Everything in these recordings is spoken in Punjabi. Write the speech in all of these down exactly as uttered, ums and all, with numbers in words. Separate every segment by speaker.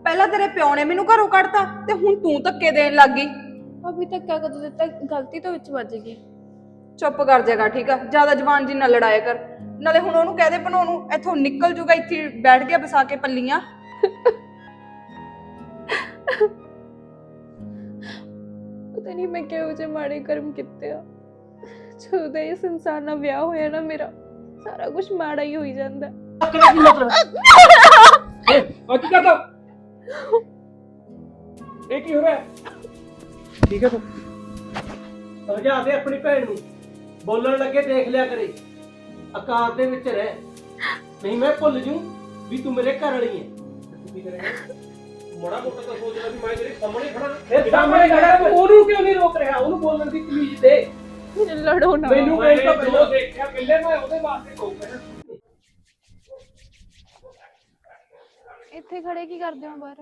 Speaker 1: ਪਹਿਲਾਂ ਤੇਰੇ ਪਿਓ ਨੇ ਮੈਨੂੰ ਘਰੋਂ ਕੱਢਤਾ ਤੇ ਹੁਣ ਤੂੰ ਧੱਕੇ ਦੇਣ ਲੱਗ ਗਈ।
Speaker 2: ਅਭੀ ਧੱਕਾ ਕਦੋਂ ਦਿੱਤਾ? ਗਲਤੀ ਤੋਂ ਵਿੱਚ ਵੱਜ ਗਈ।
Speaker 1: ਚੁੱਪ ਕਰ ਜਾਏਗਾ ਠੀਕ ਆ, ਜਿਆਦਾ ਜ਼ਬਾਨ ਜੀ ਨਾ ਲੜਾਇਆ ਕਰ। ਨਾਲੇ ਹੁਣ ਉਹਨੂੰ ਕਹਿ ਦੇ ਬਣਾਉਣ ਨੂੰ, ਇੱਥੋਂ ਨਿਕਲ ਜੂਗਾ, ਇੱਥੇ ਬੈਠ ਗਿਆ ਵਸਾ ਕੇ ਪੱਲੀਆਂ।
Speaker 2: ਪਤਾ ਨਹੀਂ ਮੈਂ ਕਿਹੋ ਜਿਹੇ ਮਾੜੇ ਕਰਮ ਕੀਤੇ ਆ। ਜਦੋਂ ਦਾ ਇਸ ਇਨਸਾਨ ਨਾਲ ਵਿਆਹ ਹੋਇਆ ਨਾ ਮੇਰਾ ਸਾਰਾ ਕੁਝ ਮਾੜਾ ਹੀ ਹੋਈ ਜਾਂਦਾ।
Speaker 3: क्या की मतलब ए और क्या करता ਇਹ ਕੀ ਹੋ ਰਿਹਾ ਠੀਕ ਹੈ ਤੂੰ ਸਮਝਾ ਦੇ ਆਪਣੀ ਭੈਣ ਨੂੰ ਬੋਲਣ ਲੱਗੇ ਦੇਖ ਲਿਆ ਕਰੇ ਆਕਾਰ ਦੇ ਵਿੱਚ ਰਹਿ ਨਹੀਂ ਮੈਂ ਭੁੱਲ ਜੂ ਵੀ ਤੂੰ ਮੇਰੇ ਘਰ ਵਾਲੀ ਹੈ ਤੂੰ ਕੀ ਕਰੇਗਾ ਮੋੜਾ ਮੋਟਾ ਤਾਂ ਸੋਚ ਲੈ ਵੀ ਮੈਂ ਤੇਰੇ ਸਾਹਮਣੇ ਖੜਾ ਫਿਰ ਸਾਹਮਣੇ ਖੜਾ ਉਹਨੂੰ ਕਿਉਂ ਨਹੀਂ ਰੋਕ ਰਿਹਾ ਉਹਨੂੰ ਬੋਲਣ ਦੀ ਤਮੀਜ਼ ਦੇ
Speaker 2: ਲੜੋ ਨਾ
Speaker 3: ਮੈਨੂੰ ਕਹਿ ਤਾਂ ਪਹਿਲਾਂ ਦੇਖਿਆ ਪਹਿਲੇ ਮੈਂ ਉਹਦੇ ਵਾਸਤੇ ਰੋਕ ਰਿਹਾ
Speaker 2: ਇੱਥੇ ਖੜੇ ਕੀ ਕਰਦੇ ਹੋ ਬਾਹਰ?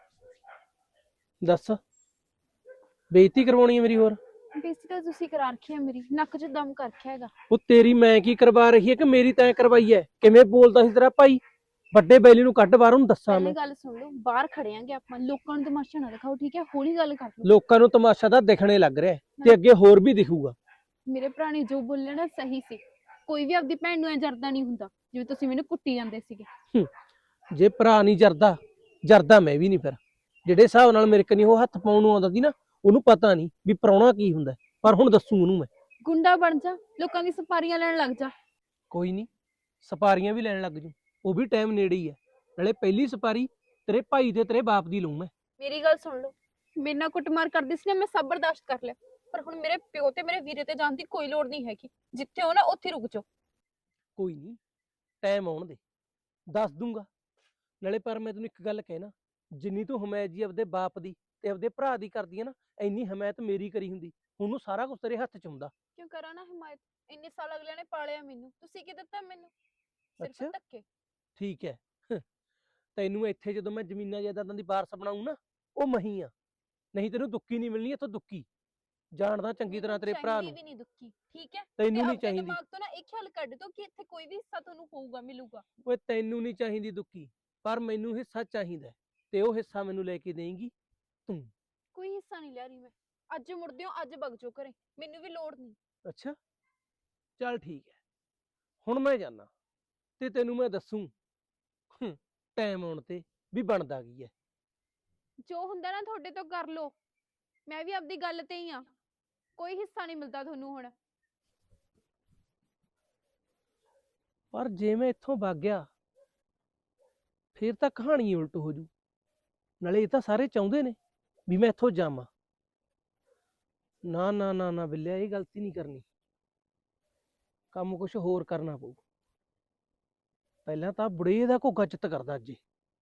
Speaker 3: ਦੱਸ ਬੇਇੱਜ਼ਤੀ ਕਰਵਾਉਣੀ ਹੈ ਮੇਰੀ ਹੋਰ
Speaker 2: ਬੇਇੱਜ਼ਤੀ ਤਾਂ ਤੁਸੀਂ ਕਰਾ ਰੱਖੀ ਹੈ ਮੇਰੀ, ਨੱਕ 'ਚ ਦਮ ਕਰ ਰੱਖਿਆ ਹੈਗਾ।
Speaker 3: ਉਹ ਤੇਰੀ ਮੈਂ ਕੀ ਕਰਵਾ ਰਹੀ ਹੈ ਕਿ ਮੇਰੀ ਤੈਂ ਕਰਵਾਈ ਹੈ? ਕਿਵੇਂ ਬੋਲਦਾ ਸੀ ਤੇਰਾ ਭਾਈ? ਵੱਡੇ ਬੈਲੀ ਨੂੰ ਕੱਢ ਬਾਹਰ, ਉਹਨੂੰ ਦੱਸਾਂ ਮੈਂ।
Speaker 2: ਪਹਿਲੀ ਗੱਲ ਸੁਣ ਲਓ, ਬਾਹਰ ਖੜੇ ਆਂਗੇ ਆਪਾਂ, ਲੋਕਾਂ ਨੂੰ ਤਮਾਸ਼ਾ ਨਾ ਦਿਖਾਓ ਠੀਕ ਹੈ? ਹੌਲੀ ਗੱਲ ਕਰ ਲਓ।
Speaker 3: ਲੋਕਾਂ ਨੂੰ ਤਮਾਸ਼ਾ ਤਾਂ ਦਿਖਣੇ ਲੱਗ ਰਿਹਾ ਤੇ ਅੱਗੇ ਹੋਰ ਵੀ ਦਿਖੂਗਾ।
Speaker 2: ਮੇਰੇ ਭਰਾ ਨੇ ਜੋ ਬੋਲਿਆ ਨਾ ਸਹੀ ਸੀ। ਕੋਈ ਵੀ ਆਪਦੀ ਭੈਣ ਨੂੰ ਐ ਜਰਦਾ ਨਹੀਂ ਹੁੰਦਾ ਜਿਵੇਂ ਤੁਸੀਂ ਮੈਨੂੰ ਕੁੱਟੀ ਜਾਂਦੇ ਸੀਗੇ।
Speaker 3: ਜੇ ਭਰਾ ਨਹੀਂ ਜਰਦਾ ਜਰਦਾ ਮੈਂ ਵੀ ਨਹੀਂ। ਫਿਰ ਜਿਹੜੇ ਹਿਸਾਬ ਨਾਲ ਮੇਰੇ ਕਨੀ ਉਹ ਹੱਥ ਪਾਉਣ ਨੂੰ ਆਉਂਦਾ ਸੀ ਨਾ, ਉਹਨੂੰ ਪਤਾ ਨਹੀਂ ਵੀ ਪ੍ਰਾਹੁਣਾ ਕੀ ਹੁੰਦਾ। ਪਰ ਹੁਣ ਦੱਸੂ ਉਹਨੂੰ ਮੈਂ।
Speaker 2: ਗੁੰਡਾ ਬਣ ਜਾ, ਲੋਕਾਂ ਦੀ ਸਪਾਰੀਆਂ ਲੈਣ ਲੱਗ ਜਾ।
Speaker 3: ਕੋਈ ਨਹੀਂ, ਸਪਾਰੀਆਂ ਵੀ ਲੈਣ ਲੱਗ ਜੂ, ਉਹ ਵੀ ਟਾਈਮ ਨੇੜੇ ਹੀ ਹੈ। ਨਾਲੇ ਪਹਿਲੀ ਸਪਾਰੀ ਤੇਰੇ ਭਾਈ ਤੇ ਤੇਰੇ ਬਾਪ ਦੀ ਲਊ ਮੈਂ।
Speaker 2: ਮੇਰੀ ਗੱਲ ਸੁਣ ਲਓ, ਮੇਰੇ ਨਾਲ ਕੁੱਟਮਾਰ ਕਰਦੀ ਸੀ ਨਾ, ਮੈਂ ਸਭ ਬਰਦਾਸ਼ਤ ਕਰ ਲਿਆ। ਪਰ ਹੁਣ ਮੇਰੇ ਪਿਓ ਤੇ ਮੇਰੇ ਵੀਰੇ ਤੇ ਜਾਣ ਦੀ ਕੋਈ ਲੋੜ ਨਹੀਂ ਹੈਗੀ। ਜਿੱਥੇ ਹੋ ਨਾ ਉੱਥੇ ਰੁਕ ਜਾਓ।
Speaker 3: ਕੋਈ ਨਹੀਂ, ਟਾਈਮ ਆਉਣ ਦੇ, ਦੱਸ ਦੂੰਗਾ। ਨਾਲੇ ਪਰ ਮੈਂ ਤੈਨੂੰ ਇੱਕ ਗੱਲ ਕਹਿਣਾ, ਜਿੰਨੀ ਤੂੰ ਹਮਾਇਤ ਜੀ ਆਪਦੇ ਬਾਪ ਦੀ ਤੇ ਆਪਦੇ ਭਰਾ ਦੀ ਕਰਦੀ ਹੈ ਨਾ, ਇੰਨੀ ਹਮਾਇਤ ਮੇਰੀ ਕਰੀ ਹੁੰਦੀ। ਉਹਨੂੰ ਸਾਰਾ ਕੁਝ ਤੇਰੇ ਹੱਥ 'ਚ ਹੁੰਦਾ।
Speaker 2: ਕਿਉਂ ਕਰਾਂ ਨਾ ਹਮਾਇਤ? ਇੰਨੇ ਸਾਲ ਅਗਲਿਆਂ ਨੇ ਪਾਲਿਆ ਮੈਨੂੰ, ਤੁਸੀਂ ਕੀ ਦਿੱਤਾ ਮੈਨੂੰ?
Speaker 3: ਅੱਛਾ।
Speaker 2: ਸਿਰਫ ਧੱਕੇ।
Speaker 3: ਠੀਕ ਹੈ, ਤੈਨੂੰ ਇੱਥੇ ਜਦੋਂ ਮੈਂ ਜ਼ਮੀਨਾਂ ਜਾਇਦਾਦਾਂ ਦੀ ਵਾਰਸ ਬਣਾਉਂ ਨਾ, ਉਹ ਮਹੀ ਆ। ਨਹੀਂ ਤੈਨੂੰ ਦੁੱਕੀ ਨਹੀਂ ਮਿਲਣੀ ਇੱਥੋਂ, ਦੁੱਕੀ। ਜਾਣਦਾ ਚੰਗੀ ਤਰ੍ਹਾਂ ਤੇਰੇ ਭਰਾ ਨੂੰ।
Speaker 2: ਵੀ ਨਹੀਂ ਦੁੱਖੀ ਠੀਕ ਹੈ?
Speaker 3: ਤੈਨੂੰ ਨਹੀਂ ਚਾਹੀਦੀ।
Speaker 2: ਦਿਮਾਗ ਤੋਂ ਨਾ ਇੱਕ ਖਿਆਲ ਕੱਢ ਦੋ ਕਿ ਇੱਥੇ ਕੋਈ ਵੀ ਹਿੱਸਾ ਤੁਹਾਨੂੰ ਹੋਊਗਾ, ਮਿਲੂਗਾ।
Speaker 3: ਓਏ ਤੈਨੂੰ ਨਹੀਂ ਚਾਹੀਦੀ ਦੁੱਕੀ, ਪਰ ਮੈਨੂੰ ਹਿੱਸਾ ਚਾਹੀਦਾ ਤੇ ਉਹ ਹਿੱਸਾ ਮੈਨੂੰ ਲੈ ਕੇ ਦੇਂਗੀ ਤੂੰ।
Speaker 2: ਕੋਈ ਹਿੱਸਾ ਨਹੀਂ ਲਿਆ ਰਹੀ ਮੈਂ। ਅੱਜ ਮੁੜਦੇ ਹੋ, ਅੱਜ ਵਗ ਜਾਓ ਘਰੇ, ਮੈਨੂੰ ਵੀ ਲੋੜ ਨਹੀਂ।
Speaker 3: ਅੱਛਾ ਚੱਲ ਠੀਕ ਹੈ, ਹੁਣ ਮੈਂ ਜਾਣਾ ਤੇ ਤੈਨੂੰ ਮੈਂ ਦੱਸੂ ਟਾਈਮ ਆਉਣ ਤੇ ਵੀ ਬਣਦਾ ਕੀ ਹੈ।
Speaker 2: ਜੋ ਹੁੰਦਾ ਨਾ ਤੁਹਾਡੇ ਤੋਂ ਕਰ ਲਓ, ਮੈਂ ਵੀ ਆਪਦੀ ਗੱਲ ਤੇ ਹੀ ਆ। ਕੋਈ ਹਿੱਸਾ ਨਹੀਂ ਮਿਲਦਾ ਤੁਹਾਨੂੰ ਹੁਣ।
Speaker 3: ਪਰ ਜੇ ਮੈਂ ਇੱਥੋਂ ਵਗ ਗਿਆ ਫੇਰ ਤਾਂ ਕਹਾਣੀ ਉਲਟ ਹੋ ਜੂ। ਨਾਲੇ ਇਹ ਤਾਂ ਸਾਰੇ ਚਾਹੁੰਦੇ ਨੇ ਵੀ ਮੈਂ ਇੱਥੋਂ ਜਾਵਾਂ। ਨਾ ਨਾ ਨਾ ਨਾ ਬਿੱਲਿਆ, ਇਹ ਗਲਤੀ ਨਹੀਂ ਕਰਨੀ। ਕੰਮ ਕੁਛ ਹੋਰ ਕਰਨਾ ਪਊ। ਪਹਿਲਾਂ ਤਾਂ ਬੁੜੇ ਦਾ ਘੋਗਾ ਚਿੱਤ ਕਰਦਾ ਅੱਜ।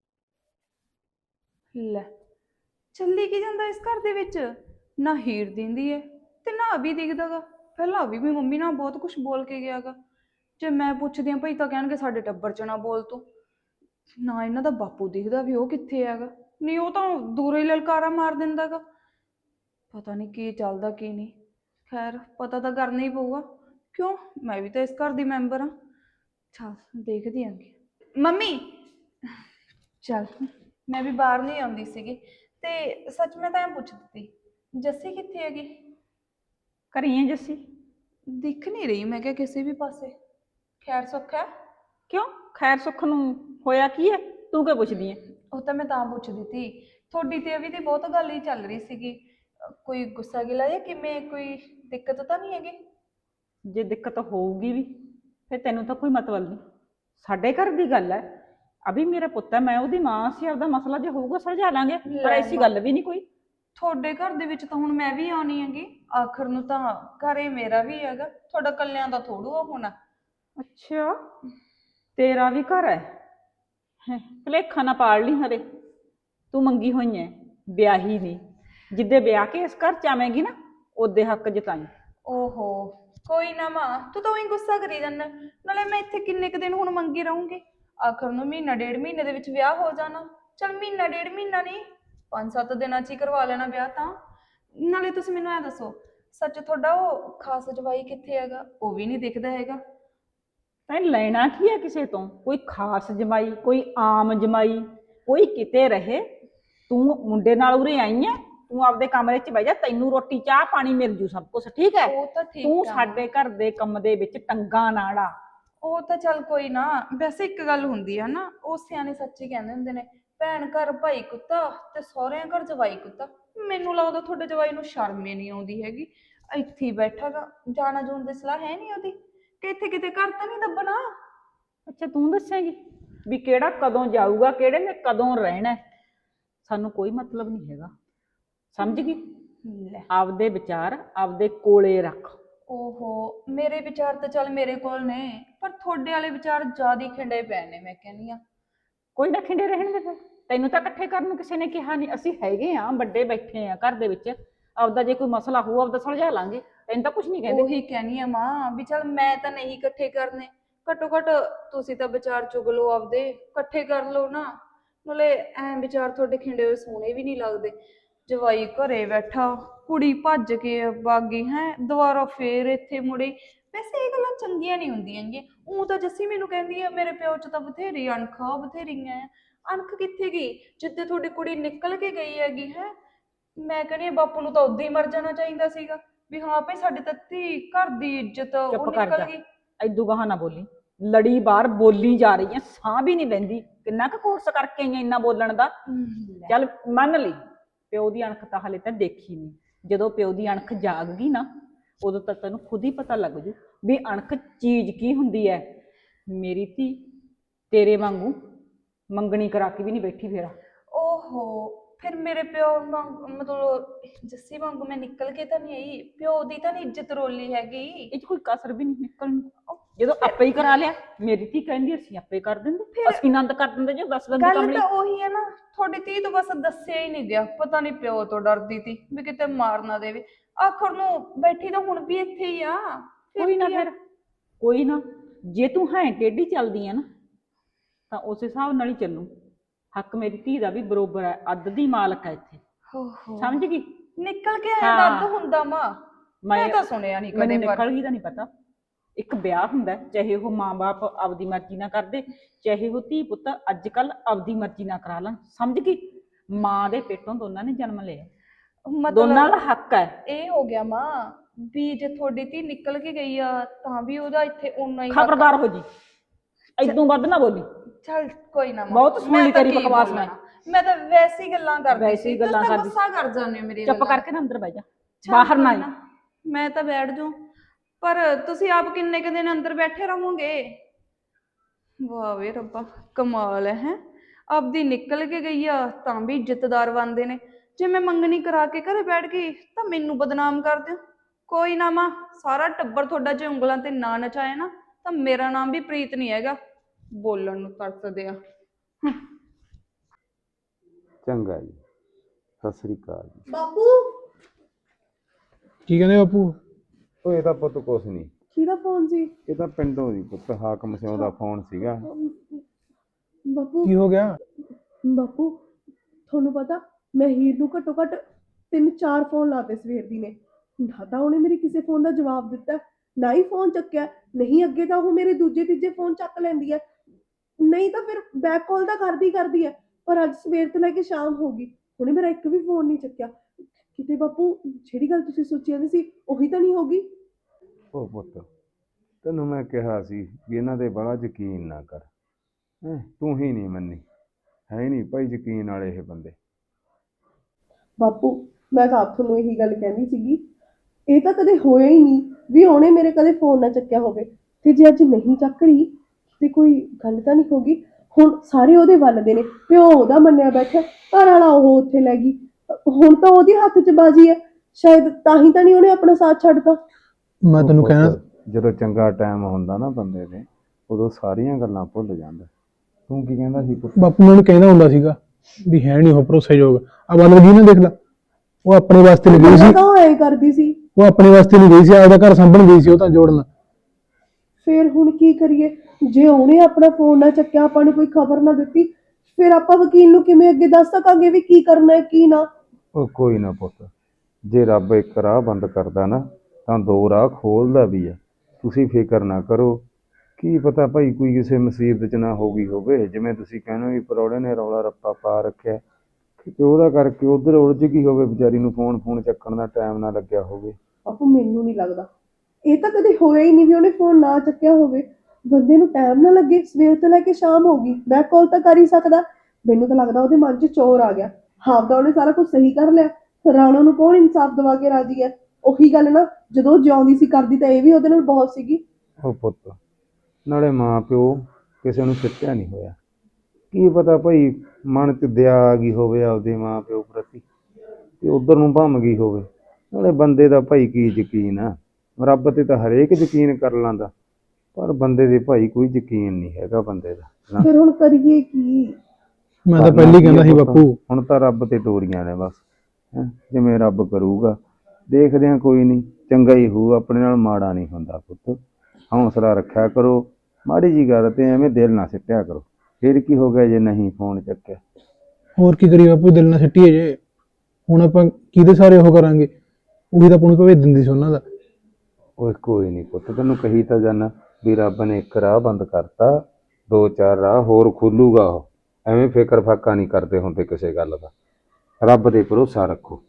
Speaker 1: ਲੈ ਚੱਲੀ ਕੀ ਜਾਂਦਾ ਇਸ ਘਰ ਦੇ ਵਿੱਚ? ਨਾ ਹੀਰ ਦਿੰਦੀ ਹੈ ਤੇ ਨਾ ਅਭੀ ਦਿਖਦਾਗਾ। ਪਹਿਲਾਂ ਅਭੀ ਵੀ ਮੰਮੀ ਨਾਲ ਬਹੁਤ ਕੁਝ ਬੋਲ ਕੇ ਗਿਆਗਾ। ਜੇ ਮੈਂ ਪੁੱਛਦੀ ਆ ਭਾਈ ਤਾਂ ਕਹਿਣਗੇ ਸਾਡੇ ਟੱਬਰ 'ਚ ਨਾ ਬੋਲ ਤੂੰ। ਨਾ ਇਹਨਾਂ ਦਾ ਬਾਪੂ ਦਿਖਦਾ ਵੀ ਉਹ ਕਿੱਥੇ ਹੈਗਾ। ਨਹੀਂ ਉਹ ਤਾਂ ਦੂਰੋਂ ਹੀ ਲਲਕਾਰਾ ਮਾਰ ਦਿੰਦਾਗਾ। ਪਤਾ ਨਹੀਂ ਕੀ ਚੱਲਦਾ ਕੀ ਨਹੀਂ। ਖੈਰ ਪਤਾ ਤਾਂ ਕਰਨਾ ਹੀ ਪਊਗਾ, ਕਿਉਂ ਮੈਂ ਵੀ ਤਾਂ ਇਸ ਘਰ ਦੀ ਮੈਂਬਰ ਹਾਂ। ਚੱਲ ਦੇਖਦੀ ਆਂਗੀ। ਮੰਮੀ ਚੱਲ, ਮੈਂ ਵੀ ਬਾਹਰ ਨਹੀਂ ਆਉਂਦੀ ਸੀਗੀ ਤੇ ਸੱਚ ਮੈਂ ਤਾਂ ਐਂ ਪੁੱਛਦੀ ਸੀ, ਜੱਸੀ ਕਿੱਥੇ ਹੈਗੀ?
Speaker 4: ਘਰੇ ਹੈ ਜੱਸੀ?
Speaker 1: ਦਿਖ ਨਹੀਂ ਰਹੀ, ਮੈਂ ਕਿਹਾ ਕਿਸੇ ਵੀ ਪਾਸੇ। ਖੈਰ ਸੁੱਖ ਹੈ?
Speaker 4: ਕਿਉਂ ਖੈਰ ਸੁੱਖ ਨੂੰ ਹੋਇਆ ਕੀ ਹੈ? ਤੂੰ ਕਿਉਂ ਪੁੱਛਦੀ ਹੈ?
Speaker 1: ਉਹ ਤਾਂ ਮੈਂ ਤਾਂ ਪੁੱਛਦੀ ਸੀ, ਤੁਹਾਡੀ ਤੇ ਅਭੀ ਦੀ ਬਹੁਤ ਗੱਲ ਹੀ ਚੱਲ ਰਹੀ ਸੀਗੀ। ਕੋਈ ਗੁੱਸਾ ਗਿਲਾ ਜਾਂ ਕਿਵੇਂ, ਕੋਈ ਦਿੱਕਤ ਤਾਂ ਨਹੀਂ ਹੈਗੀ?
Speaker 4: ਜੇ ਦਿੱਕਤ ਹੋਊਗੀ ਵੀ ਫਿਰ ਤੈਨੂੰ ਤਾਂ ਕੋਈ ਮਤਲਬ ਨਹੀਂ। ਸਾਡੇ ਘਰ ਦੀ ਗੱਲ ਹੈ, ਅਭੀ ਮੇਰਾ ਪੁੱਤ ਹੈ, ਮੈਂ ਉਹਦੀ ਮਾਂ ਸੀ। ਆਪਦਾ ਮਸਲਾ ਜੇ ਹੋਊਗਾ ਸੁਲਝਾ ਲਾਂਗੇ, ਪਰ ਐਸੀ ਗੱਲ ਵੀ ਨਹੀਂ ਕੋਈ।
Speaker 1: ਤੁਹਾਡੇ ਘਰ ਦੇ ਵਿੱਚ ਤਾਂ ਹੁਣ ਮੈਂ ਵੀ ਆਉਣੀ ਹੈਗੀ, ਆਖਰ ਨੂੰ ਤਾਂ ਘਰ ਇਹ ਮੇਰਾ ਵੀ ਹੈਗਾ, ਤੁਹਾਡਾ ਕੱਲਿਆਂ ਦਾ ਥੋੜੂ ਆ ਹੋਣਾ।
Speaker 4: ਅੱਛਾ ਤੇਰਾ ਵੀ ਘਰ ਹੈ? ਭੁਲੇਖਾ ਨਾ ਪਾੜ ਲਈ, ਹਰੇ ਤੂੰ ਮੰਗੀ ਹੋਈ ਹੈ, ਵਿਆਹੀ ਨਹੀਂ। ਜਿੱਦੇ ਵਿਆਹ ਕੇ ਇਸ ਘਰ ਚ ਆਵੇਂਗੀ ਨਾ, ਉਹਦੇ ਹੱਕ ਜਤਾਈ।
Speaker 1: ਓਹੋ ਕੋਈ ਨਾ ਮਾਂ, ਤੂੰ ਤਾਂ ਉਹੀ ਗੁੱਸਾ ਕਰੀ ਜਾਂਦਾ। ਨਾਲੇ ਮੈਂ ਇੱਥੇ ਕਿੰਨੇ ਕੁ ਦਿਨ ਹੁਣ ਮੰਗੀ ਰਹੂੰਗੀ? ਆਖਰ ਨੂੰ ਮਹੀਨਾ ਡੇਢ ਮਹੀਨੇ ਦੇ ਵਿੱਚ ਵਿਆਹ ਹੋ ਜਾਣਾ। ਚਲ ਮਹੀਨਾ ਡੇਢ ਮਹੀਨਾ ਨਹੀਂ, ਪੰਜ ਸੱਤ ਦਿਨਾਂ 'ਚ ਹੀ ਕਰਵਾ ਲੈਣਾ ਵਿਆਹ ਤਾਂ। ਨਾਲੇ ਤੁਸੀਂ ਮੈਨੂੰ ਐ ਦੱਸੋ, ਸੱਚ ਤੁਹਾਡਾ ਉਹ ਖਾਸ ਜਵਾਈ ਕਿੱਥੇ ਹੈਗਾ? ਉਹ ਵੀ ਨਹੀਂ ਦਿਖਦਾ ਹੈਗਾ।
Speaker 4: ਤੈਂ ਲੈਣਾ ਕੀ ਹੈ ਕਿਸੇ ਤੋਂ? ਕੋਈ ਖਾਸ ਜਮਾਈ, ਕੋਈ ਆਮ ਜਮਾਈ, ਕੋਈ ਕਿਤੇ ਰਹੇ। ਤੂੰ ਮੁੰਡੇ ਨਾਲ ਉਰੇ ਆਈ ਐ, ਤੂੰ ਆਪਦੇ ਕਮਰੇ 'ਚ ਬਹਿ ਜਾ, ਤੈਨੂੰ ਰੋਟੀ ਚਾਹ ਪਾਣੀ ਮਿਲ ਜੂ ਸਭ ਕੁਝ, ਠੀਕ ਹੈ।
Speaker 1: ਉਹ ਤਾਂ ਠੀਕ
Speaker 4: ਤੂੰ
Speaker 1: ਆ।
Speaker 4: ਸਾਡੇ ਘਰ ਦੇ ਕੰਮ ਦੇ ਵਿੱਚ ਟੰਗਾ ਨਾੜਾ।
Speaker 1: ਉਹ ਤਾਂ ਚੱਲ ਕੋਈ ਨਾ, ਵੈਸੇ ਇੱਕ ਗੱਲ ਹੁੰਦੀ ਆ ਨਾ, ਉਹ ਸਿਆਣੇ ਸੱਚੀ ਕਹਿੰਦੇ ਹੁੰਦੇ ਨੇ, ਭੈਣ ਘਰ ਭਾਈ ਕੁੱਤਾ ਤੇ ਸਹੁਰਿਆਂ ਘਰ ਜਵਾਈ ਕੁੱਤਾ। ਮੈਨੂੰ ਲੱਗਦਾ ਤੁਹਾਡੇ ਜਵਾਈ ਨੂੰ ਸ਼ਰਮ ਹੀ ਨਹੀਂ ਆਉਂਦੀ ਹੈਗੀ, ਇੱਥੇ ਹੀ ਬੈਠਾ ਗਾ, ਜਾਣਾ ਜੂਣ ਦੀ ਸਲਾਹ ਹੈ ਨਹੀਂ ਉਹਦੀ ਕਿ ਇੱਥੇ ਕਿਤੇ ਘਰ ਤਾਂ ਨਹੀਂ ਦੱਬਣਾ।
Speaker 4: ਅੱਛਾ ਤੂੰ ਦੱਸੇਂਗੀ ਵੀ ਕਿਹੜਾ ਕਦੋਂ ਜਾਊਗਾ, ਕਿਹੜੇ ਨੇ ਕਦੋਂ ਰਹਿਣਾ? ਸਾਨੂੰ ਕੋਈ ਮਤਲਬ ਨਹੀਂ ਹੈਗਾ, ਸਮਝ ਗਈ?
Speaker 1: ਲੈ
Speaker 4: ਆਪਦੇ ਵਿਚਾਰ ਆਪਦੇ ਕੋਲੇ ਰੱਖ।
Speaker 1: ਓਹੋ, ਮੇਰੇ ਵਿਚਾਰ ਤਾਂ ਚੱਲ ਮੇਰੇ ਕੋਲ ਨੇ, ਪਰ ਤੁਹਾਡੇ ਵਾਲੇ ਵਿਚਾਰ ਜ਼ਿਆਦਾ ਖਿੰਡੇ ਪਏ ਨੇ, ਮੈਂ ਕਹਿੰਦੀ ਆ।
Speaker 4: ਕੋਈ ਨਾ ਖਿੰਡੇ ਰਹਿਣਗੇ ਫਿਰ, ਤੈਨੂੰ ਤਾਂ ਇਕੱਠੇ ਕਰਨ ਨੂੰ ਕਿਸੇ ਨੇ ਕਿਹਾ ਨਹੀਂ, ਅਸੀਂ ਹੈਗੇ ਆ, ਵੱਡੇ ਬੈਠੇ ਆ ਘਰ ਦੇ ਵਿੱਚ, ਆਪਦਾ ਜੇ ਕੋਈ ਮਸਲਾ ਹੋਊ ਆਪਦਾ ਸੁਲਝਾ ਲਾਂਗੇ, ਤੈਨੂੰ ਤਾਂ ਕੁਝ ਨਹੀਂ ਕਹਿੰਦੇ।
Speaker 1: ਉਹੀ ਕਹਿਨੀ ਆ ਮਾਂ ਵੀ ਚੱਲ ਮੈਂ ਤਾਂ ਨਹੀਂ ਇਕੱਠੇ ਕਰਨੇ, ਘੱਟੋ ਘੱਟ ਤੁਸੀਂ ਤਾਂ ਵਿਚਾਰ ਚੁਗ ਲਓ ਆਪਦੇ, ਇਕੱਠੇ ਕਰ ਲਓ ਨਾ, ਨਾਲੇ ਐਂ ਵਿਚਾਰ ਤੁਹਾਡੇ ਖਿੰਡੇ ਹੋਏ ਸੋਹਣੇ ਵੀ ਨਹੀਂ ਲੱਗਦੇ। ਜਵਾਈ ਘਰੇ ਬੈਠਾ, ਕੁੜੀ ਭੱਜ ਕੇ ਬਾਗੀ ਹੈ, ਦੁਬਾਰਾ ਫੇਰ ਇੱਥੇ ਮੁੜੀ। ਵੈਸੇ ਇਹ ਗੱਲਾਂ ਚੰਗੀਆਂ ਨਹੀਂ ਹੁੰਦੀਆਂ ਹੈਗੀਆਂ। ਊਂ ਤਾਂ ਜੱਸੀ ਮੈਨੂੰ ਕਹਿੰਦੀ ਆ ਮੇਰੇ ਪਿਓ ਚ ਤਾਂ ਬਥੇਰੀ ਅਣਖ ਆ, ਬਥੇਰੀਆਂ ਆ। ਅਣਖ ਕਿੱਥੇ ਗਈ ਜਿੱਦੇ ਤੁਹਾਡੀ ਕੁੜੀ ਨਿਕਲ ਕੇ ਗਈ ਹੈਗੀ ਹੈ। ਮੈਂ ਕਹਿੰਦੀ ਹਾਂ ਬਾਪੂ ਨੂੰ ਤਾਂ ਉਦਾਂ ਹੀ ਮਰ ਜਾਣਾ ਚਾਹੀਦਾ ਸੀਗਾ ਵੀ ਹਾਂ ਭਾਈ ਸਾਡੇ ਤਾਂ ਧੀ ਘਰ ਦੀ ਇੱਜ਼ਤ ਉਹ
Speaker 4: ਚੁੱਪ ਕਰ
Speaker 1: ਨਿਕਲ
Speaker 4: ਜਾ,
Speaker 1: ਗਈ।
Speaker 4: ਐਦੂ ਗਾਹਾਂ ਨਾ ਬੋਲੀ, ਲੜੀ ਬਾਹਰ ਬੋਲੀ ਜਾ ਰਹੀ ਐ, ਸਾਹ ਵੀ ਨਹੀਂ ਲੈਂਦੀ। ਕਿੰਨਾ ਕੁ ਕੋਰਸ ਕਰਕੇ ਆਈ ਐ ਇੰਨਾ ਬੋਲਣ ਦਾ?
Speaker 1: ਲੈ,
Speaker 4: ਚੱਲ ਮੰਨ ਲਈ ਪਿਓ ਦੀ ਅਣਖ ਤਾਂ ਹਲੇ ਤਾਂ ਦੇਖੀ ਨਹੀਂ, ਜਦੋਂ ਪਿਓ ਦੀ ਅਣਖ ਜਾਗ ਗਈ ਨਾ ਉਦੋਂ ਤੱਕ ਤੈਨੂੰ ਖੁਦ ਹੀ ਪਤਾ ਲੱਗ ਜੂ ਵੀ ਅਣਖ ਚੀਜ਼ ਕੀ ਹੁੰਦੀ ਹੈ। ਮੇਰੀ ਧੀ ਤੇਰੇ ਵਾਂਗੂ ਮੰਗਣੀ ਕਰਾ ਕੇ ਵੀ ਨਹੀਂ ਬੈਠੀ ਫੇਰਾ।
Speaker 1: ਓਹੋ, ਫਿਰ ਮੇਰੇ ਪਿਓ ਵਾਂਗ ਮਤਲਬ ਜੱਸੀ ਵਾਂਗੂ ਮੈਂ ਨਿਕਲ ਕੇ ਤਾਂ ਨਹੀਂ ਆਈ, ਪਿਓ ਦੀ ਤਾਂ ਨਹੀਂ ਇੱਜ਼ਤ ਰੋਲੀ ਹੈਗੀ।
Speaker 4: ਇਹ 'ਚ ਕੋਈ ਕਸਰ ਵੀ ਨਹੀਂ ਨਿਕਲਣ ਨੂੰ, ਜਦੋਂ ਆਪੇ ਹੀ ਕਰਾ ਲਿਆ। ਮੇਰੀ ਧੀ ਕਹਿੰਦੀ ਅਸੀਂ ਆਪੇ ਕਰ ਦਿੰਦੇ, ਅਸੀਂ ਆਨੰਦ ਕਰ ਦਿੰਦੇ ਜੇ ਦੱਸ ਦਿੰਦੇ
Speaker 1: ਗੱਲ
Speaker 4: ਕਮਲੀ।
Speaker 1: ਤਾਂ ਉਹੀ ਹੈ ਨਾ, ਤੁਹਾਡੀ ਧੀ ਤੋਂ ਬਸ ਦੱਸਿਆ ਹੀ ਨਹੀਂ ਗਿਆ, ਪਤਾ ਨਹੀਂ ਪਿਓ ਤੋਂ ਡਰਦੀ ਤੀ ਵੀ ਕਿਤੇ ਮਾਰ ਨਾ ਦੇਵੇ। ਆਖਰ ਨੂੰ ਬੈਠੀ ਤਾਂ ਹੁਣ ਵੀ ਇੱਥੇ ਹੀ ਆ। ਫਿਰ
Speaker 4: ਕੋਈ ਨਾ
Speaker 1: ਕੀ ਆ?
Speaker 4: ਫਿਰ ਕੋਈ ਨਾ, ਜੇ ਤੂੰ ਹੈ ਟੇਢੀ ਚੱਲਦੀ ਆ ਨਾ ਤਾਂ ਉਸ ਹਿਸਾਬ ਨਾਲ ਹੀ ਚੱਲੂ। ਹੱਕ ਮੇਰੀ ਧੀ ਦਾ ਵੀ ਬਰੋਬਰ ਹੈ, ਅੱਧ ਦੀ ਮਾਲਕ ਹੈ ਇੱਥੇ,
Speaker 1: ਓਹੋ,
Speaker 4: ਸਮਝ ਗਈ?
Speaker 1: ਨਿਕਲ ਕੇ ਆਇਆ
Speaker 4: ਹਾਂ।
Speaker 1: ਦੱਦ ਹੁੰਦਾ ਮਾਂ, ਮੈਂ ਤਾਂ ਸੁਣਿਆ ਨਹੀਂ
Speaker 4: ਮੈਨੂੰ
Speaker 1: ਕਦੇ। ਪਰ
Speaker 4: ਨਿਕਲ ਗਈ ਦਾ ਨਹੀਂ ਪਤਾ। ਇੱਕ ਵਿਆਹ ਹੁੰਦਾ, ਚਾਹੇ ਉਹ ਮਾਂ-ਬਾਪ ਆਪਦੀ ਮਰਜ਼ੀ ਨਾਲ ਕਰਦੇ, ਚਾਹੇ ਉਹ ਧੀ ਪੁੱਤ ਅੱਜ ਕੱਲ ਆਪਦੀ ਮਰਜ਼ੀ ਨਾਲ ਕਰਾ ਲੈਣ, ਸਮਝ ਗਈ? ਮਾਂ ਦੇ ਪੇਟੋਂ ਦੋਨਾਂ ਨੇ ਜਨਮ ਲਿਆ, ਦੋਨਾਂ ਦਾ ਹੱਕ ਹੈ।
Speaker 1: ਇਹ ਹੋ ਗਿਆ ਮਾਂ ਵੀ ਜੇ ਤੁਹਾਡੀ ਧੀ ਨਿਕਲ ਕੇ ਗਈ ਆ ਤਾਂ ਵੀ ਉਹਦਾ ਇੱਥੇ ਓਨਾ ਹੀ ਹੱਕ ਆ।
Speaker 4: ਖਬਰਦਾਰ ਹੋ ਜੀ, ਐਦੋਂ ਵੱਧ ਨਾ ਬੋਲੀ।
Speaker 1: ਚੱਲ ਕੋਈ ਨਾ ਮਾਂ,
Speaker 4: ਬਹੁਤ ਸੁਣ
Speaker 1: ਮੈਂ
Speaker 4: ਲਈ
Speaker 1: ਤਾਂ
Speaker 4: ਤੇਰੀ
Speaker 1: ਕੀ
Speaker 4: ਬਕਵਾਸ
Speaker 1: ਬੋਲਣਾ।
Speaker 4: ਮੈਂ।
Speaker 1: ਮੈਂ ਤਾਂ ਵੈਸੇ ਹੀ ਗੱਲਾਂ ਕਰਦੀ
Speaker 4: ਵੈਸੇ ਹੀ
Speaker 1: ਸੀ,
Speaker 4: ਗੱਲਾਂ
Speaker 1: ਤੁਸੀਂ ਤਾਂ
Speaker 4: ਕਰਦੀ
Speaker 1: ਗੁੱਸਾ ਕਰ ਜਾਂਦੇ ਹੋ ਮੇਰੀ
Speaker 4: ਚੁੱਪ
Speaker 1: ਗੱਲਾਂ।
Speaker 4: ਕਰਕੇ ਨਾ ਅੰਦਰ ਬਹਿ ਜਾ,
Speaker 1: ਚੱਲ
Speaker 4: ਬਾਹਰ ਨਾ
Speaker 1: ਕੋਈ
Speaker 4: ਆਈ।
Speaker 1: ਮੈਂ ਤਾਂ ਬੈਠ ਜਾਊਂ, ਪਰ ਤੁਸੀਂ ਆਪ ਕਿੰਨੇ ਕੁ ਦਿਨ ਅੰਦਰ ਬੈਠੇ ਰਹੋਗੇ? ਵਾਹ ਵੇ ਰੱਬਾ, ਕਮਾਲ ਹੈ ਹੈ ਆਪਦੀ ਨਿਕਲ ਕੇ ਗਈ ਆ ਤਾਂ ਵੀ ਇੱਜ਼ਤਦਾਰ ਬਣਦੇ ਨੇ, ਜੇ ਮੈਂ ਮੰਗਣੀ ਕਰਾ ਕੇ ਘਰੇ ਬੈਠ ਗਈ ਤਾਂ ਮੈਨੂੰ ਬਦਨਾਮ ਕਰ ਦਿਓ। ਕੋਈ ਨਾ ਮਾਂ, ਸਾਰਾ ਟੱਬਰ ਤੁਹਾਡਾ ਜੇ ਉਂਗਲਾਂ ਤੇ ਨਾ ਨਚਾਏ ਨਾ ਤਾਂ ਮੇਰਾ ਨਾਮ ਵੀ ਪ੍ਰੀਤ ਨਹੀਂ ਹੈਗਾ। ਬੋਲਣ ਨੂੰ ਤਰਸਦੇ ਆ।
Speaker 5: ਚੰਗਾ ਜੀ, ਸਤਿ ਸ੍ਰੀ ਅਕਾਲ ਜੀ।
Speaker 1: ਬਾਪੂ
Speaker 6: ਕੀ ਕਹਿੰਦੇ ਬਾਪੂ?
Speaker 5: ਉਹ ਇਹ ਤਾਂ ਪੁੱਤ ਕੁਛ ਨਹੀਂ,
Speaker 1: ਕਿਹਦਾ ਫੋਨ ਸੀ?
Speaker 5: ਇਹ ਤਾਂ ਪਿੰਡੋਂ ਦੀ ਪੁੱਤ ਹਾਕਮ ਸਿਉਂ ਦਾ ਫੋਨ ਸੀਗਾ।
Speaker 7: ਬਾਪੂ
Speaker 6: ਕੀ ਹੋ ਗਿਆ?
Speaker 7: ਬਾਪੂ ਤੁਹਾਨੂੰ ਪਤਾ ਮੈਂ ਹੀਰ ਨੂੰ ਘੱਟੋ ਘੱਟ ਤਿੰਨ ਚਾਰ ਫੋਨ ਲਾਤੇ ਸਵੇਰ ਦੀ ਨੇ, ਨਾ ਤਾਂ ਉਹਨੇ ਮੇਰੀ ਕਿਸੇ ਫੋਨ ਦਾ ਜਵਾਬ ਦਿੱਤਾ, ਨਾ ਹੀ ਫੋਨ ਚੱਕਿਆ। ਨਹੀਂ ਅੱਗੇ ਤਾਂ ਉਹ ਮੇਰੇ ਦੂਜੇ ਤੀਜੇ ਫੋਨ ਚੱਕ ਲੈਂਦੀ ਹੈ, ਨਹੀਂ ਤਾਂ ਫਿਰ ਬੈਕ ਕਾਲ ਤਾਂ ਕਰਦੀ ਕਰਦੀ ਹੈ, ਪਰ ਅੱਜ ਸਵੇਰ ਤੋਂ ਲੈ ਕੇ ਸ਼ਾਮ ਹੋ ਗਈ ਉਹਨੇ ਮੇਰਾ ਇੱਕ ਵੀ ਫੋਨ ਨਹੀਂ ਚੱਕਿਆ। ਕਿਤੇ ਬਾਪੂ ਜਿਹੜੀ ਗੱਲ ਤੁਸੀਂ ਸੋਚੀ ਜਾਂਦੇ ਸੀ ਉਹੀ ਤਾਂ ਨਹੀਂ ਹੋਗੀ?
Speaker 5: ਉਹ ਪੁੱਤ ਤੈਨੂੰ ਮੈਂ ਕਿਹਾ ਸੀ ਵੀ ਇਹਨਾਂ ਦੇ ਬੜਾ ਯਕੀਨ ਨਾ ਕਰ, ਹੈਂ ਤੂੰ ਹੀ ਨਹੀਂ ਮੰਨੀ, ਹੈ ਨਹੀਂ ਭਾਈ ਯਕੀਨ ਵਾਲੇ ਇਹ ਬੰਦੇ।
Speaker 7: ਬਾਪੂ ਮੈਂ ਤਾਂ ਆਪ ਤੁਹਾਨੂੰ ਇਹੀ ਗੱਲ ਕਹਿੰਦੀ ਸੀਗੀ, ਇਹ ਤਾਂ ਕਦੇ ਹੋਇਆ ਹੀ ਨਹੀਂ ਵੀ ਉਹਨੇ ਮੇਰੇ ਕਦੇ ਫੋਨ ਨਾ ਚੱਕਿਆ ਹੋਵੇ, ਤੇ ਜੇ ਅੱਜ ਨਹੀਂ ਚੱਕ ਰਹੀ ਤੇ ਕੋਈ ਗੱਲ ਤਾਂ ਨਹੀਂ ਹੋਗੀ। ਹੁਣ ਸਾਰੇ ਉਹਦੇ ਵੱਲ ਦੇ ਨੇ, ਪਿਓ ਉਹਦਾ ਮੰਨਿਆ ਬੈਠਾ, ਘਰ ਵਾਲਾ ਉਹ ਉੱਥੇ ਲੈ ਗਈ, ਹੁਣ ਤਾਂ ਉਹਦੇ ਹੱਥ 'ਚ ਬਾਜੀ ਹੈ, ਸ਼ਾਇਦ ਤਾਂ ਹੀ ਤਾਂ ਨਹੀਂ ਉਹਨੇ ਆਪਣਾ ਸਾਥ ਛੱਡਤਾ।
Speaker 6: ਮੈਂ
Speaker 5: ਉਹ
Speaker 6: ਤੈਨੂੰ
Speaker 5: ਪੁੱਤ,
Speaker 6: ਕਹਿਣਾ,
Speaker 5: ਜਦੋਂ ਚੰਗਾ ਟਾਈਮ ਹੁੰਦਾ ਨਾ ਬੰਦੇ ਦੇ ਉਦੋਂ ਸਾਰੀਆਂ ਗੱਲਾਂ ਭੁੱਲ ਜਾਂਦਾ। ਤੂੰ ਕੀ ਕਹਿੰਦਾ ਸੀ ਪੁੱਤ?
Speaker 6: ਬਾਪੂ ਮੈਨੂੰ ਕਹਿੰਦਾ ਹੁੰਦਾ ਸੀਗਾ ਵੀ ਹੈ ਨਹੀਂ ਉਹ ਭਰੋਸੇਯੋਗ। ਆ ਵੱਲ ਜੀ ਨਾ ਦੇਖਦਾ, ਉਹ ਆਪਣੇ ਵਾਸਤੇ ਨਹੀਂ ਗਈ ਸੀ,
Speaker 7: ਮੈਂ ਤਾਂ ਉਹ ਐਂ ਕਰਦੀ ਸੀ,
Speaker 6: ਉਹ ਆਪਣੇ ਵਾਸਤੇ ਨਹੀਂ ਗਈ ਸੀ, ਆਪਦਾ ਘਰ ਸਾਂਭਣ ਗਈ ਸੀ ਉਹ ਤਾਂ ਜੋੜਨ।
Speaker 7: ਫਿਰ ਹੁਣ ਕੀ ਕਰੀਏ? ਜੇ ਉਹਨੇ ਆਪਣਾ ਫੋਨ ਨਾ ਚੱਕਿਆ, ਆਪਾਂ ਨੂੰ ਕੋਈ ਖਬਰ ਨਾ ਦਿੱਤੀ, ਫਿਰ ਆਪਾਂ ਵਕੀਲ ਨੂੰ ਕਿਵੇਂ ਅੱਗੇ ਦੱਸ ਸਕਾਂਗੇ ਵੀ ਕੀ ਕਰਨਾ ਹੈ ਕੀ ਨਾ?
Speaker 5: ਉਹ ਕੋਈ ਨਾ ਪੁੱਤ, ਜੇ ਰੱਬ ਇੱਕ ਰਾਹ ਬੰਦ ਕਰਦਾ ਨਾ ਤਾਂ ਦੋ ਰਾਹ ਖੋਲਦਾ ਵੀ ਆ। ਤੁਸੀਂ ਫਿਕਰ ਨਾ ਕਰੋ, ਕੀ ਪਤਾ ਭਾਈ ਕੋਈ ਕਿਸੇ ਮੁਸੀਬਤ 'ਚ ਨਾ ਹੋ ਗਈ ਹੋਵੇ, ਜਿਵੇਂ ਤੁਸੀਂ ਕਹਿੰਦੇ ਵੀ ਪਰੌੜੇ ਨੇ ਰੌਲਾ ਰੱਪਾ ਪਾ ਰੱਖਿਆ, ਕਿਤੇ ਉਹਦਾ ਕਰਕੇ ਉਧਰ ਉਲਝ ਗਈ ਹੋਵੇ ਵਿਚਾਰੀ ਨੂੰ, ਫੋਨ ਫੋਨ ਚੱਕਣ ਦਾ ਟਾਈਮ ਨਾ ਲੱਗਿਆ ਹੋਵੇ।
Speaker 7: ਬਾਪੂ ਮੈਨੂੰ ਨਹੀਂ ਲੱਗਦਾ, ਇਹ ਤਾਂ ਕਦੇ ਹੋਇਆ ਹੀ ਨਹੀਂ ਵੀ ਉਹਨੇ ਫੋਨ ਨਾ ਚੱਕਿਆ ਹੋਵੇ। ਬੰਦੇ ਨੂੰ ਟਾਈਮ ਨਾ ਲੱਗੇ, ਸਵੇਰ ਤੋਂ ਲੈ ਕੇ ਸ਼ਾਮ ਹੋ ਗਈ, ਬੈਕ ਕਾਲ ਤਾਂ ਕਰ ਹੀ ਸਕਦਾ। ਮੈਨੂੰ ਤਾਂ ਲੱਗਦਾ ਉਹਦੇ ਮਨ 'ਚ ਚੋਰ ਆ ਗਿਆ, ਆਪਦਾ ਉਹਨੇ ਸਾਰਾ ਕੁਝ ਸਹੀ ਕਰ ਲਿਆ। ਰਾਣਾ ਨੂੰ ਕੌਣ ਇਨਸਾਫ ਦਵਾ ਕੇ ਰਾਜੀ ਹੈ? ਉਹੀ ਗੱਲ ਨਾ, ਜਦੋਂ ਉਹ ਜਿਉਂਦੀ ਸੀ ਕਰਦੀ ਤਾਂ ਇਹ ਵੀ ਉਹਦੇ ਨਾਲ ਬਹੁਤ ਸੀਗੀ।
Speaker 5: ਉਹ ਪੁੱਤ ਨਾਲੇ ਮਾਂ ਪਿਓ ਕਿਸੇ ਨੂੰ ਸਿੱਟਿਆ ਨਹੀਂ ਹੋਇਆ, ਕੀ ਪਤਾ ਭਾਈ ਮਨ 'ਚ ਦਇਆ ਆ ਗਈ ਹੋਵੇ ਆਪਦੇ ਮਾਂ ਪਿਓ ਪ੍ਰਤੀ ਤੇ ਉਧਰ ਨੂੰ ਭੰਮ ਗਈ ਹੋਵੇ। ਨਾਲੇ ਬੰਦੇ ਦਾ ਭਾਈ ਕੀ ਯਕੀਨ ਆ, ਰੱਬ ਤੇ ਤਾਂ ਹਰੇਕ ਯਕੀਨ ਕਰ ਲੈਂਦਾ, ਪਰ ਬੰਦੇ ਦੇ ਭਾਈ ਕੋਈ ਯਕੀਨ ਨਹੀਂ ਹੈਗਾ ਬੰਦੇ ਦਾ ਨਾ।
Speaker 7: ਫਿਰ ਹੁਣ ਕਰੀਏ ਕੀ?
Speaker 6: ਮੈਂ ਤਾਂ ਪਹਿਲੀ ਕਹਿੰਦਾ ਸੀ ਬਾਪੂ,
Speaker 5: ਹੁਣ ਤਾਂ ਰੱਬ ਤੇ ਡੋਰੀਆਂ ਨੇ ਬਸ, ਹੈਂ ਜਿਵੇਂ ਰੱਬ ਕਰੂਗਾ ਦੇਖਦੇ ਹਾਂ, ਕੋਈ ਨਹੀਂ ਚੰਗਾ ਹੀ ਹੋਊ, ਆਪਣੇ ਨਾਲ ਮਾੜਾ ਨਹੀਂ ਹੁੰਦਾ ਪੁੱਤ। ਹੌਸਲਾ ਰੱਖਿਆ ਕਰੋ, ਮਾੜੀ ਜੀ ਗੱਲ ਤੇ ਐਵੇਂ ਦਿਲ ਨਾ ਸਿੱਟਿਆ ਕਰੋ। ਫਿਰ ਕੀ ਹੋ ਗਿਆ ਜੇ ਨਹੀਂ ਫੋਨ ਚੱਕਿਆ?
Speaker 6: ਹੋਰ ਕੀ ਕਰੀਏ ਬਾਪੂ, ਦਿਲ ਨਾ ਸਿੱਟੀਏ ਜੇ। ਹੁਣ ਆਪਾਂ ਕਿਹਦੇ ਸਾਰੇ ਉਹ ਕਰਾਂਗੇ, ਉਹੀ ਤਾਂ ਆਪਾਂ ਨੂੰ ਭੇਜ ਦਿੰਦੀ ਸੀ ਉਹਨਾਂ ਦਾ।
Speaker 5: ਓਏ ਕੋਈ ਨਹੀਂ ਪੁੱਤ, ਤੈਨੂੰ ਕਹੀ ਤਾਂ ਜਾਨਾ ਵੀ ਰੱਬ ਨੇ ਇੱਕ ਰਾਹ ਬੰਦ ਕਰਤਾ, ਦੋ ਚਾਰ ਰਾਹ ਹੋਰ ਖੁੱਲੂਗਾ। ਉਹ ਐਵੇਂ ਫਿਕਰ ਫਾਕਾ ਨਹੀਂ ਕਰਦੇ ਹੁੰਦੇ ਕਿਸੇ ਗੱਲ ਦਾ, ਰੱਬ ਤੇ ਭਰੋਸਾ ਰੱਖੋ।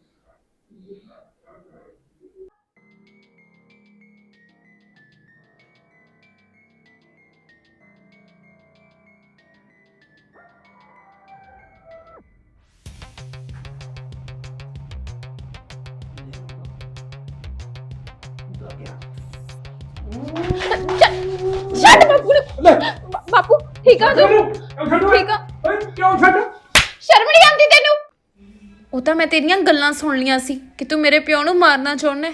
Speaker 2: ਛੱਡ ਬਾਪੂ ਨੂੰ। ਬਾ- ਬਾਪੂ ਠੀਕ ਆ ਤੂੰ? ਠੀਕ ਆ?
Speaker 3: ਕਿਉਂ ਛੱਡ?
Speaker 2: ਸ਼ਰਮ ਨਹੀਂ ਆਉਂਦੀ ਤੈਨੂੰ? ਉਹ ਤਾਂ ਮੈਂ ਤੇਰੀਆਂ ਗੱਲਾਂ ਸੁਣ ਲੀਆਂ ਸੀ ਕਿ ਤੂੰ ਮੇਰੇ ਪਿਓ ਨੂੰ ਮਾਰਨਾ ਚਾਹੁੰਦਾ।